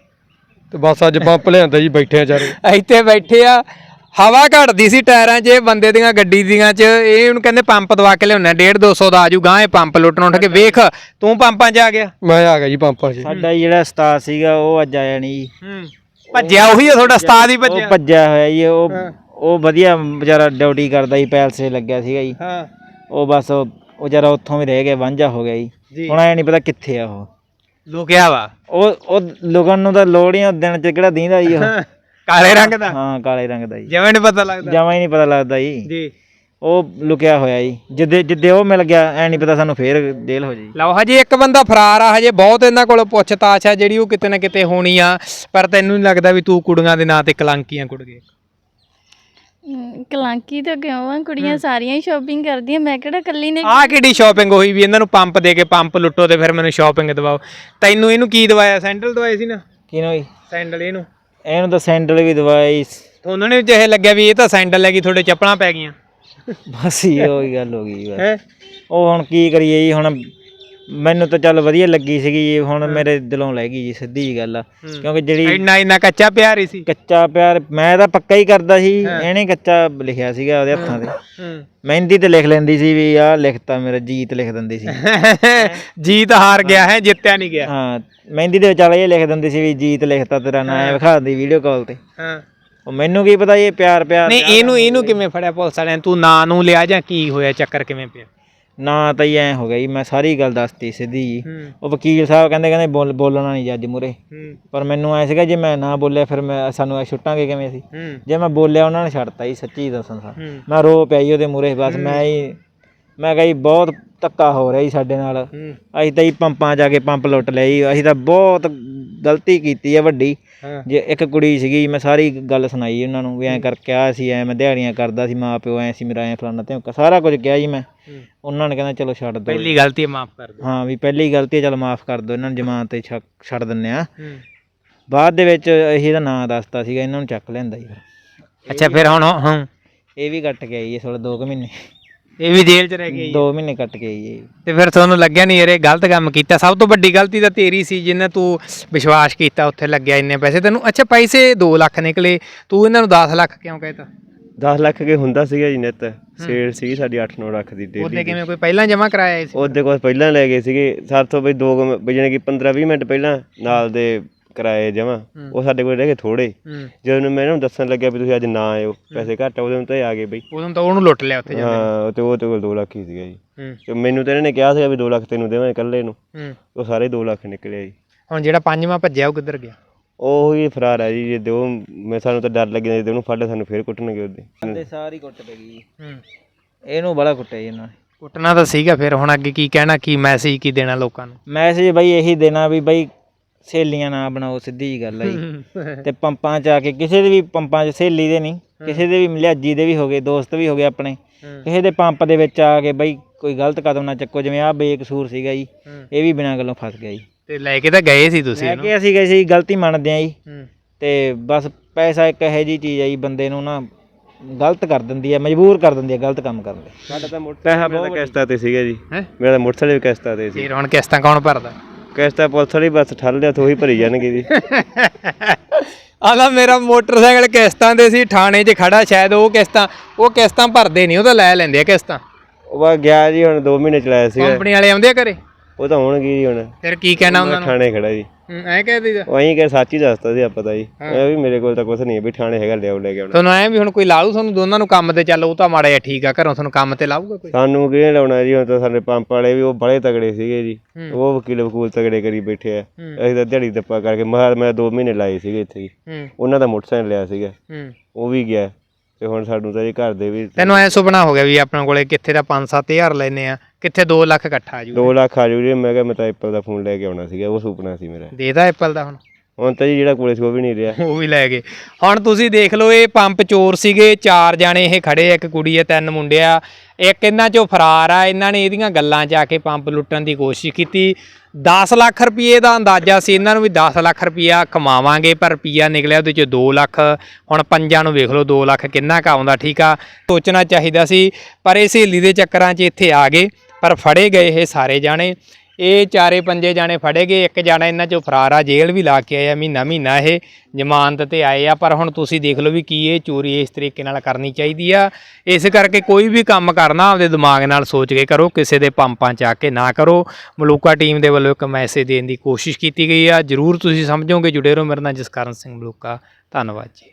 S5: ਤੇ ਬਸ ਅੱਜ ਪੰਪ ਲਿਆਂਦਾ ਜੀ, ਬੈਠੇ ਆ ਚਾਰੇ
S1: ਇੱਥੇ ਬੈਠੇ ਆ। ਹਵਾ ਘਟਦੀ ਸੀ ਟਾਇਰਾਂ 'ਚ, ਬੰਦੇ ਦੀਆਂ ਗੱਡੀ ਦੀਆਂ 'ਚ। ਇਹ ਹੁਣ ਕਹਿੰਦੇ ਪੰਪ ਦਵਾ ਕੇ ਲਿਆਉਣਾ, ਡੇਢ ਦੋ ਸੌ ਦਾ ਆਜੂਗਾ ਇਹ ਪੰਪ ਲੁੱਟਣ ਉੱਠ ਕੇ। ਵੇਖ ਤੂੰ ਪੰਪਾਂ 'ਚ ਆ ਗਿਆ।
S5: ਮੈਂ ਆ ਗਿਆ ਜੀ ਪੰਪਾਂ 'ਚ।
S2: ਸਾਡਾ ਜਿਹੜਾ ਉਸਤਾਦ ਸੀਗਾ ਉਹ ਅੱਜ ਆਇਆ ਨਹੀਂ ਜੀ।
S1: ਭੱਜਿਆ ਉਹੀ ਆ ਤੁਹਾਡਾ ਉਸਤਾਦ ਹੀ ਭੱਜਿਆ?
S2: ਉਹ ਭੱਜਿਆ ਹੋਇਆ ਜੀ। ਉਹ ਉਹ ਵਧੀਆ ਵਿਚਾਰਾ ਡਿਊਟੀ ਕਰਦਾ ਜੀ, ਪੈਲਸੇ ਲੱਗਿਆ ਸੀਗਾ ਜੀ।
S1: ਹਾਂ,
S2: ਉਹ ਬਸ ਉਹ ਵਿਚਾਰਾ ਉੱਥੋਂ ਵੀ ਰਹਿ ਗਿਆ, ਵਾਂਝਾ ਹੋ ਗਿਆ ਜੀ। ਹੁਣ ਐ ਨਹੀਂ ਪਤਾ ਕਿੱਥੇ ਆ ਉਹ,
S1: ਲੁਕਿਆ ਵਾ।
S2: ਉਹ ਉਹ ਲੁਕਣ ਨੂੰ ਤਾਂ ਲੋੜ ਹੀ ਆ, ਦਿਨ ਚ ਕਿਹੜਾ ਦੀਂਦਾ ਜੀ ਉਹ।
S1: ਕਾਲੇ ਰੰਗ ਦਾ?
S2: ਹਾਂ, ਕਾਲੇ ਰੰਗ ਦਾ ਜੀ।
S1: ਜਿਵੇਂ ਨੀ ਪਤਾ ਲੱਗਦਾ,
S2: ਜਮਾਂ ਹੀ ਨਹੀਂ ਪਤਾ ਲੱਗਦਾ ਜੀ।
S1: ਜੀ
S2: ਉਹ ਲੁਕਿਆ ਹੋਇਆ ਜੀ। ਜਿੱਦੇ ਜਿੱਦੇ ਉਹ ਮਿਲ ਗਿਆ, ਐ ਨਹੀਂ ਪਤਾ ਸਾਨੂੰ ਫੇਰ ਜੇਲ੍ਹ ਹੋ ਜਾਈ।
S1: ਲਓ, ਹਜੇ ਇੱਕ ਬੰਦਾ ਫਰਾਰ ਆ, ਹਜੇ ਬਹੁਤ ਇਹਨਾਂ ਕੋਲ ਪੁੱਛਤਾਛ ਆ ਜਿਹੜੀ ਉਹ ਕਿਤੇ ਨਾ ਕਿਤੇ ਹੋਣੀ ਆ। ਪਰ ਤੈਨੂੰ ਨਹੀਂ ਲੱਗਦਾ ਵੀ ਤੂੰ ਕੁੜੀਆਂ ਦੇ ਨਾਂ ਤੇ ਕਲੰਕੀਆਂ ਕੁੜ ਗਏ?
S3: ਕਲਾਂਕੀ ਤਾਂ ਕਿਉਂ ਆ, ਕੁੜੀਆਂ ਸਾਰੀਆਂ ਹੀ ਸ਼ਾਪਿੰਗ ਕਰਦੀਆਂ, ਮੈਂ ਕਿਹੜਾ ਇਕੱਲੀ ਨੇ।
S1: ਆਹ ਕਿਹੜੀ ਸ਼ਾਪਿੰਗ ਹੋਈ ਵੀ ਇਹਨਾਂ ਨੂੰ ਪੰਪ ਦੇ ਕੇ ਪੰਪ ਲੁੱਟੋ ਤੇ ਫਿਰ ਮੈਨੂੰ ਸ਼ਾਪਿੰਗ ਦਵਾਓ? ਤੈਨੂੰ ਇਹਨੂੰ ਕੀ ਦਵਾਇਆ? ਸੈਂਡਲ ਦਵਾਏ ਸੀ ਨਾ?
S2: ਕਿਹਨੂੰ ਜੀ?
S1: ਸੈਂਡਲ ਇਹਨੂੰ?
S2: ਇਹਨੂੰ ਤਾਂ ਸੈਂਡਲ ਵੀ ਦਵਾਈ।
S1: ਉਹਨਾਂ ਨੇ ਜਿਹੇ ਲੱਗਿਆ ਵੀ ਇਹ ਤਾਂ ਸੈਂਡਲ ਹੈਗੀ, ਤੁਹਾਡੇ ਚੱਪਲਾਂ ਪੈ ਗਈਆਂ।
S2: ਬਸ ਹੀ ਉਹੀ ਗੱਲ ਹੋ ਗਈ ਬਸ। ਉਹ ਹੁਣ ਕੀ ਕਰੀਏ ਜੀ, ਹੁਣ ਮੈਨੂੰ ਤਾਂ ਚੱਲ ਵਧੀਆ ਲੱਗੀ ਸੀਗੀ ਜੀ, ਹੁਣ ਮੇਰੇ ਦਿਲੋਂ ਲੈ ਗਈ ਜੀ, ਸਿੱਧੀ ਜੀ ਗੱਲ ਆ। ਕਿਉਂਕਿ ਜਿਹੜੀ
S1: ਇੰਨਾ ਇੰਨਾ ਕੱਚਾ ਪਿਆਰ ਹੀ ਸੀ।
S2: ਕੱਚਾ ਪਿਆਰ ਮੈਂ ਤਾਂ ਪੱਕਾ ਹੀ ਕਰਦਾ ਸੀ, ਇਹਨੇ ਕੱਚਾ ਲਿਖਿਆ ਸੀਗਾ ਉਹਦੇ ਹੱਥਾਂ ਤੇ। ਮਹਿੰਦੀ ਤੇ ਲਿਖ ਲੈਂਦੀ ਸੀ ਵੀ ਆਹ ਲਿਖਤਾ ਮੇਰਾ, ਜੀਤ ਲਿਖ ਦਿੰਦੀ ਸੀ।
S1: ਜੀਤ ਹਾਰ ਗਿਆ ਹੈ, ਜਿੱਤਿਆ ਨਹੀਂ ਗਿਆ।
S2: ਹਾਂ, ਮਹਿੰਦੀ ਦੇ ਵਿਚਾਲੇ ਇਹ ਲਿਖ ਦਿੰਦੀ ਸੀ ਵੀ ਜੀਤ ਲਿਖਤਾ ਤੇਰਾ ਨਾਂ, ਐ ਵਿਖਾ ਦਿੰਦੀ ਵੀਡੀਓ ਕਾਲ ਤੇ।
S1: ਹਾਂ,
S2: ਉਹ ਮੈਨੂੰ ਕੀ ਪਤਾ ਇਹ ਪਿਆਰ ਪਿਆਰ
S1: ਨਹੀਂ ਇਹਨੂੰ ਇਹਨੂੰ ਕਿਵੇਂ ਫੜਿਆ ਪੁਲਿਸ ਵਾਲਿਆਂ ਨੇ? ਤੂੰ ਨਾਂ ਨੂੰ ਲਿਆ ਜਾਂ ਕੀ ਹੋਇਆ, ਚੱਕਰ ਕਿਵੇਂ ਪਿਆ?
S2: ਨਾ ਤਾਂ ਹੀ ਐ ਹੋ ਗਿਆ ਜੀ, ਮੈਂ ਸਾਰੀ ਗੱਲ ਦੱਸਤੀ ਸਿੱਧੀ ਜੀ। ਉਹ ਵਕੀਲ ਸਾਹਿਬ ਕਹਿੰਦੇ ਕਹਿੰਦੇ ਬੋਲ ਬੋਲਣਾ ਨਹੀਂ ਜੱਜ ਮੂਹਰੇ। ਪਰ ਮੈਨੂੰ ਐ ਸੀਗਾ ਜੇ ਮੈਂ ਨਾ ਬੋਲਿਆ ਫਿਰ ਮੈਂ ਸਾਨੂੰ ਐ ਛੁੱਟਾਂਗੇ ਕਿਵੇਂ ਸੀ। ਜੇ ਮੈਂ ਬੋਲਿਆ ਉਹਨਾਂ ਨੇ ਛੱਡਤਾ ਜੀ, ਸੱਚੀ ਦੱਸਾਂ ਸਰ। ਮੈਂ ਰੋ ਪਿਆ ਜੀ ਉਹਦੇ ਮੂਹਰੇ, ਬਸ ਮੈਂ ਹੀ ਮੈਂ ਕਿਹਾ ਜੀ ਬਹੁਤ ਧੱਕਾ ਹੋ ਰਿਹਾ ਜੀ ਸਾਡੇ ਨਾਲ, ਅਸੀਂ ਤਾਂ ਜੀ ਪੰਪਾਂ 'ਚ ਜਾ ਕੇ ਪੰਪ ਲੁੱਟ ਲਿਆ ਜੀ, ਅਸੀਂ ਤਾਂ ਬਹੁਤ ਗਲਤੀ ਕੀਤੀ ਹੈ ਵੱਡੀ। ਜੇ ਇੱਕ ਕੁੜੀ ਸੀਗੀ, ਮੈਂ ਸਾਰੀ ਗੱਲ ਸੁਣਾਈ ਉਹਨਾਂ ਨੂੰ ਵੀ ਐਂ ਕਰਕੇ ਆ ਸੀ, ਐਂ ਮੈਂ ਦਿਹਾੜੀਆਂ ਕਰਦਾ ਸੀ, ਮਾਂ ਪਿਓ ਐਂ ਸੀ ਮੇਰਾ, ਐਂ ਫਲਾਨਾ ਤੇ ਸਾਰਾ ਕੁਝ ਕਿਹਾ ਜੀ ਮੈਂ। ਉਹਨਾਂ ਨੇ ਕਹਿੰਦਾ ਚਲੋ ਛੱਡ ਦਿਓ,
S1: ਪਹਿਲੀ ਗਲਤੀ ਮਾਫ ਕਰ ਦਿਓ।
S2: ਹਾਂ ਵੀ ਪਹਿਲੀ ਗਲਤੀ ਚਲ ਮਾਫ ਕਰ ਦਿਓ, ਇਹਨਾਂ ਨੂੰ ਜ਼ਮਾਨਤ ਤੇ ਛੱਡ ਛੱਡ ਦਿੰਦੇ ਆ। ਬਾਅਦ ਦੇ ਵਿੱਚ ਅਸੀਂ ਇਹਦਾ ਨਾਂ ਦੱਸਤਾ ਸੀਗਾ, ਇਹਨਾਂ ਨੂੰ ਚੱਕ ਲਿਆਂਦਾ ਜੀ ਫਿਰ।
S1: ਅੱਛਾ ਫਿਰ ਹੁਣ ਹਾਂ
S2: ਇਹ ਵੀ ਕੱਟ ਕੇ ਆਈ ਜੀ ਥੋੜਾ ਦੋ ਕੁ ਮਹੀਨੇ,
S1: ਇਹ ਵੀ ਜੇਲ੍ਹ 'ਚ ਰਹਿ ਗਈ
S2: ਦੋ ਮਹੀਨੇ ਕੱਟ ਕੇ ਆਈ ਜੀ।
S1: ਤੇ ਫਿਰ ਤੁਹਾਨੂੰ ਲੱਗਿਆ ਨਹੀਂ ਯਾਰ ਇਹ ਗਲਤ ਕੰਮ ਕੀਤਾ? ਸਭ ਤੋਂ ਵੱਡੀ ਗਲਤੀ ਤਾਂ ਤੇਰੀ ਸੀ, ਜਿਹਨੇ ਤੂੰ ਵਿਸ਼ਵਾਸ ਕੀਤਾ, ਉੱਥੇ ਲੱਗਿਆ ਇੰਨੇ ਪੈਸੇ ਤੈਨੂੰ। ਅੱਛਾ ਪੈਸੇ ਦੋ ਲੱਖ ਨਿਕਲੇ, ਤੂੰ ਇਹਨਾਂ ਨੂੰ ਦਸ ਲੱਖ ਕਿਉਂ ਕਹਿਤਾ?
S4: ਦਸ ਲੱਖ ਕੇ ਹੁੰਦਾ ਸੀਗਾ ਜੀ ਨਿੱਤ, ਸੇਲ ਸੀਗੀ ਸਾਡੀ ਅੱਠ ਨੌ ਲੱਖ ਦੀ ਡੇਲੀ।
S1: ਉਹਦੇ ਕਿਵੇਂ ਕੋਈ ਪਹਿਲਾਂ ਜਮ੍ਹਾਂ ਕਰਾਇਆ ਸੀ?
S4: ਉਹਦੇ ਕੋਲ ਪਹਿਲਾਂ ਲੈ ਗਏ ਸੀਗੇ ਸਾਥੋਂ ਬਈ ਦੋ ਕੁ ਮ- ਬਈ ਜਾਣੀ ਕਿ ਪੰਦਰਾਂ ਵੀਹ ਮਿੰਟ ਪਹਿਲਾਂ ਨਾਲ ਦੇ ਕਰਾਏ ਜਮ੍ਹਾਂ, ਉਹ ਸਾਡੇ ਕੋਲ ਰਹਿ ਗਏ ਥੋੜੇ। ਜਦੋਂ ਮੈਂ ਇਹਨਾਂ ਨੂੰ ਦੱਸਣ ਲੱਗਿਆ ਵੀ ਤੁਸੀਂ ਅੱਜ ਨਾ ਆਇਓ, ਪੈਸੇ ਘੱਟ ਆ, ਉਦੋਂ ਤਾਂ ਇਹ ਆ ਗਏ ਬਈ।
S1: ਉਦੋਂ ਤਾਂ ਉਹਨੂੰ ਲੁੱਟ ਲਿਆ ਉੱਥੇ ਜਾ
S4: ਹਾਂ ਤੇ ਉਹ ਤੇ ਕੋਲ ਦੋ ਲੱਖ ਹੀ ਸੀਗਾ ਜੀ।
S1: ਕੇ।
S4: ਤੇ ਮੈਨੂੰ ਤਾਂ ਇਹਨਾਂ ਨੇ ਕਿਹਾ ਸੀਗਾ ਵੀ ਦੋ ਲੱਖ ਤੈਨੂੰ ਦੇਵਾਂ ਇਕੱਲੇ ਨੂੰ, ਉਹ ਸਾਰੇ ਦੋ ਲੱਖ ਨਿਕਲੇ ਜੀ।
S1: ਹੁਣ ਜਿਹੜਾ ਪੰਜਵਾਂ ਭੱਜਿਆ ਉਹ ਕਿੱਧਰ ਗਿਆ?
S4: ਉਹ ਹੀ ਫਰਾਰ ਹੈ ਜੀ। ਜੇ ਦਿਓ ਮੈਂ ਸਾਨੂੰ ਤਾਂ ਡਰ ਲੱਗ ਜਾਂਦਾ ਜੇ ਉਹਨੂੰ ਫੜ ਲਿਆ ਸਾਨੂੰ ਫੇਰ ਕੁੱਟਣਗੇ ਉਹਦੇ।
S2: ਤੇ ਸਾਰੀ ਕੁੱਟ ਪੈ ਗਈ ਜੀ, ਇਹਨੂੰ ਬੜਾ ਕੁੱਟਿਆ ਜੀ ਇਹਨਾਂ ਨੇ।
S1: ਕੁੱਟਣਾ ਤਾਂ ਸੀਗਾ, ਫਿਰ ਹੁਣ ਅੱਗੇ ਕੀ ਕਹਿਣਾ, ਕੀ ਮੈਸੇਜ ਕੀ ਦੇਣਾ ਲੋਕਾਂ ਨੂੰ?
S2: ਮੈਸੇਜ ਬਈ ਇਹੀ ਦੇਣਾ ਵੀ ਬਈ ਸਹੇਲੀਆਂ ਨਾ ਬਣਾਓ, ਸਿੱਧੀ ਜੀ ਗੱਲ ਆ ਜੀ। ਤੇ ਪੰਪਾਂ 'ਚ ਆ ਕੇ ਕਿਸੇ ਦੇ ਵੀ ਪੰਪਾਂ 'ਚ ਸਹੇਲੀ ਦੇ ਨਹੀਂ, ਕਿਸੇ ਦੇ ਵੀ ਲਿਹਾਜੀ ਦੇ ਵੀ ਹੋ ਗਏ, ਦੋਸਤ ਵੀ ਹੋ ਗਏ ਆਪਣੇ, ਕਿਸੇ ਦੇ ਪੰਪ ਦੇ ਵਿੱਚ ਆ ਕੇ ਬਈ ਕੋਈ ਗਲਤ ਕਦਮ ਨਾ ਚੱਕੋ। ਜਿਵੇਂ ਆਹ ਬੇਕਸੂਰ ਸੀਗਾ ਜੀ, ਇਹ ਵੀ ਬਿਨਾਂ ਗੱਲੋਂ ਫਸ ਗਿਆ ਜੀ।
S1: ਤੇ ਲੈ ਕੇ ਤਾਂ ਗਏ ਸੀ ਤੁਸੀਂ
S2: ਲੈ ਕੇ ਅਸੀਂ ਗਏ ਸੀ, ਗਲਤੀ ਮੰਨਦੇ ਆ ਜੀ। ਤੇ ਬਸ ਪੈਸਾ ਇੱਕ ਇਹੋ ਜਿਹੀ ਚੀਜ਼ ਆ ਜੀ, ਬੰਦੇ ਨੂੰ ਨਾ ਗਲਤ ਕਰ ਦਿੰਦੀ ਹੈ, ਮਜਬੂਰ ਕਰ ਦਿੰਦੀ ਹੈ ਗਲਤ ਕੰਮ ਕਰਨ ਲਈ।
S4: ਸਾਡਾ ਤਾਂ ਮੋਟਰਸਾਈਕਲ ਮੇਰਾ ਤਾਂ ਕਿਸ਼ਤਾਂ ਤੇ ਸੀਗਾ ਜੀ, ਮੇਰਾ ਤਾਂ ਮੋਟਰਸਾਈਕਲ ਵੀ ਕਿਸ਼ਤਾਂ ਤੇ ਸੀ।
S1: ਫਿਰ ਹੁਣ ਕਿਸ਼ਤਾਂ ਕੌਣ ਭਰਦਾ?
S4: ਕਿਸ਼ਤਾਂ ਪੁਲਿਸ ਵਾਲੀ ਬਸ ਠੱਲ ਲਿਆ ਤੋਂ ਹੀ ਭਰੀ ਜਾਣਗੇ ਜੀ।
S1: ਆਲਾ ਮੇਰਾ ਮੋਟਰਸਾਈਕਲ ਕਿਸ਼ਤਾਂ ਦੇ ਸੀ, ਥਾਣੇ 'ਚ ਖੜਾ, ਸ਼ਾਇਦ ਉਹ ਕਿਸ਼ਤਾਂ ਉਹ ਕਿਸ਼ਤਾਂ ਭਰਦੇ ਨਹੀਂ, ਉਹ ਤਾਂ ਲੈ ਲੈਂਦੇ ਆ ਕਿਸ਼ਤਾਂ।
S4: ਉਹ ਬਾ ਗਿਆ ਜੀ, ਹੁਣ ਦੋ ਮਹੀਨੇ ਚਲਾਇਆ ਸੀਗਾ।
S1: ਕੰਪਨੀ ਵਾਲੇ ਆਉਂਦੇ ਆ ਘਰੇ?
S4: ਉਹ ਤਾਂ ਹੋਣਗੇ ਜੀ ਹੁਣ।
S1: ਫਿਰ ਕੀ ਕਹਿਣਾ ਉਹਨਾਂ ਨੂੰ?
S4: ਥਾਣੇ ਖੜਾ ਜੀ।
S1: ਐਂ ਕਹਿ ਦਈਦਾ?
S4: ਉਹ ਐਂ ਕਿ ਸੱਚ ਹੀ ਦੱਸਦਾ ਸੀ ਆਪਾਂ ਤਾਂ ਜੀ, ਇਹ ਵੀ ਮੇਰੇ ਕੋਲ ਤਾਂ ਕੁਛ ਨਹੀਂ ਹੈ ਵੀ ਥਾਣੇ ਹੈਗਾ ਲਿਆਓ ਲੈ ਕੇ ਆਉਣਾ।
S1: ਤੁਹਾਨੂੰ ਐਂ ਵੀ ਹੁਣ ਕੋਈ ਲਾਊ ਤੁਹਾਨੂੰ ਦੋਨਾਂ ਨੂੰ ਕੰਮ ਤੇ? ਚੱਲ ਉਹ ਤਾਂ ਮਾੜਾ ਜਿਹਾ ਠੀਕ ਆ, ਘਰੋਂ ਤੁਹਾਨੂੰ ਕੰਮ ਤੇ ਲਾਊਗਾ ਕੋਈ?
S4: ਸਾਨੂੰ ਕਿਹਨੇ ਲਾਉਣਾ ਜੀ, ਹੁਣ ਤਾਂ ਸਾਡੇ ਪੰਪ ਵਾਲੇ ਵੀ ਉਹ ਬੜੇ ਤਗੜੇ ਸੀਗੇ ਜੀ, ਉਹ ਵਕੀਲ ਵਕੂਲ ਤਗੜੇ ਕਰੀ ਬੈਠੇ ਆ। ਅਸੀਂ ਤਾਂ ਦਿਹਾੜੀ ਦੱਪਾ ਕਰਕੇ ਮਹਾਰ ਮੈਂ ਦੋ ਮਹੀਨੇ ਲਾਏ ਸੀਗੇ ਇੱਥੇ ਜੀ। ਉਹਨਾਂ ਦਾ ਮੋਟਰਸਾਈਕਲ ਲਿਆ ਸੀਗਾ, ਉਹ ਵੀ ਗਿਆ। ਤੇ ਹੁਣ ਸਾਨੂੰ ਤਾਂ ਜੀ ਘਰ ਦੇ ਵੀ
S1: ਤੈਨੂੰ ਐ ਸੁਪਨਾ ਹੋ ਗਿਆ ਵੀ ਆਪਣੇ ਕੋਲੇ ਕਿੱਥੇ ਦਾ ਪੰਜ ਸੱਤ ਹਜ਼ਾਰ ਲੈਨੇ ਆ, ਕਿੱਥੇ ਦੋ ਲੱਖ ਇਕੱਠਾ ਆ ਜੂ,
S4: ਦੋ ਲੱਖ ਆ ਜੂ ਜੀ। ਮੈਂ ਕਿਹਾ ਮੈਂ ਤਾਂ ਐਪਲ ਦਾ ਫੋਨ ਲੈ ਕੇ ਆਉਣਾ ਸੀਗਾ, ਉਹ ਸੁਪਨਾ ਸੀ ਮੇਰਾ।
S1: ਦੇਦਾ ਐਪਲ ਦਾ? ਹੁਣ
S4: ਹੁਣ ਤਾਂ ਜੀ ਜਿਹੜਾ ਕੋਲੇ ਸੀ ਉਹ ਵੀ ਨਹੀਂ ਰਿਹਾ,
S1: ਉਹ ਵੀ ਲੈ ਗਏ। ਹੁਣ ਤੁਸੀਂ ਦੇਖ ਲਓ, ਇਹ ਪੰਪ ਚੋਰ ਸੀਗੇ, ਚਾਰ ਜਾਣੇ ਇਹ ਖੜੇ ਆ, ਇੱਕ ਕੁੜੀ ਆ, ਤਿੰਨ ਮੁੰਡੇ ਆ, ਇੱਕ ਇਹਨਾਂ ਚੋਂ ਫਰਾਰ ਆ। ਇਹਨਾਂ ਨੇ ਇਹਦੀਆਂ ਗੱਲਾਂ 'ਚ ਆ ਕੇ ਪੰਪ ਲੁੱਟਣ ਦੀ ਕੋਸ਼ਿਸ਼ ਕੀਤੀ। ਦਸ ਲੱਖ ਰੁਪਏ ਦਾ ਅੰਦਾਜ਼ਾ ਸੀ ਇਹਨਾਂ ਨੂੰ ਵੀ ਦਸ ਲੱਖ ਰੁਪਈਆ ਕਮਾਵਾਂਗੇ, ਪਰ ਰੁਪਈਆ ਨਿਕਲਿਆ ਉਹਦੇ 'ਚ ਦੋ ਲੱਖ। ਹੁਣ ਪੰਜਾਂ ਨੂੰ ਵੇਖ ਲਓ ਦੋ ਲੱਖ ਕਿੰਨਾ ਕੁ ਆਉਂਦਾ। ਠੀਕ ਆ, ਸੋਚਣਾ ਚਾਹੀਦਾ ਸੀ, ਪਰ ਇਹ ਸਹੇਲੀ ਦੇ ਚੱਕਰਾਂ 'ਚ ਇੱਥੇ ਆ ਗਏ। ਪਰ ਫੜੇ ਗਏ ਇਹ ਸਾਰੇ ਜਾਣੇ, ਇਹ ਚਾਰੇ ਪੰਜੇ ਜਾਣੇ ਫੜੇ ਗਏ। ਇੱਕ ਜਾਣਾ ਇਹਨਾਂ 'ਚੋਂ ਫਰਾਰ ਆ, ਜੇਲ੍ਹ ਵੀ ਲਾ ਕੇ ਆਇਆ ਮਹੀਨਾ ਮਹੀਨਾ ਇਹ ਜ਼ਮਾਨਤ ਤੇ ਆਏ ਆ। ਪਰ ਹੁਣ ਤੁਸੀਂ ਦੇਖ ਲਓ ਵੀ ਕੀ ਇਹ ਚੋਰੀ ਇਸ ਤਰੀਕੇ ਨਾਲ ਕਰਨੀ ਚਾਹੀਦੀ ਆ। ਇਸ ਕਰਕੇ ਕੋਈ ਵੀ ਕੰਮ ਕਰਨਾ ਆਪਦੇ ਦਿਮਾਗ ਨਾਲ ਸੋਚ ਕੇ ਕਰੋ, ਕਿਸੇ ਦੇ ਪੰਪਾਂ 'ਚ ਆ ਕੇ ਨਾ ਕਰੋ। ਮਲੂਕਾ ਟੀਮ ਦੇ ਵੱਲੋਂ ਇੱਕ ਮੈਸੇਜ ਦੇਣ ਦੀ ਕੋਸ਼ਿਸ਼ ਕੀਤੀ ਗਈ ਆ, ਜ਼ਰੂਰ ਤੁਸੀਂ ਸਮਝੋਗੇ। ਜੁੜੇ ਰਹੋ ਮੇਰੇ ਨਾਲ, ਜਸਕਰਨ ਸਿੰਘ ਮਲੂਕਾ। ਧੰਨਵਾਦ ਜੀ।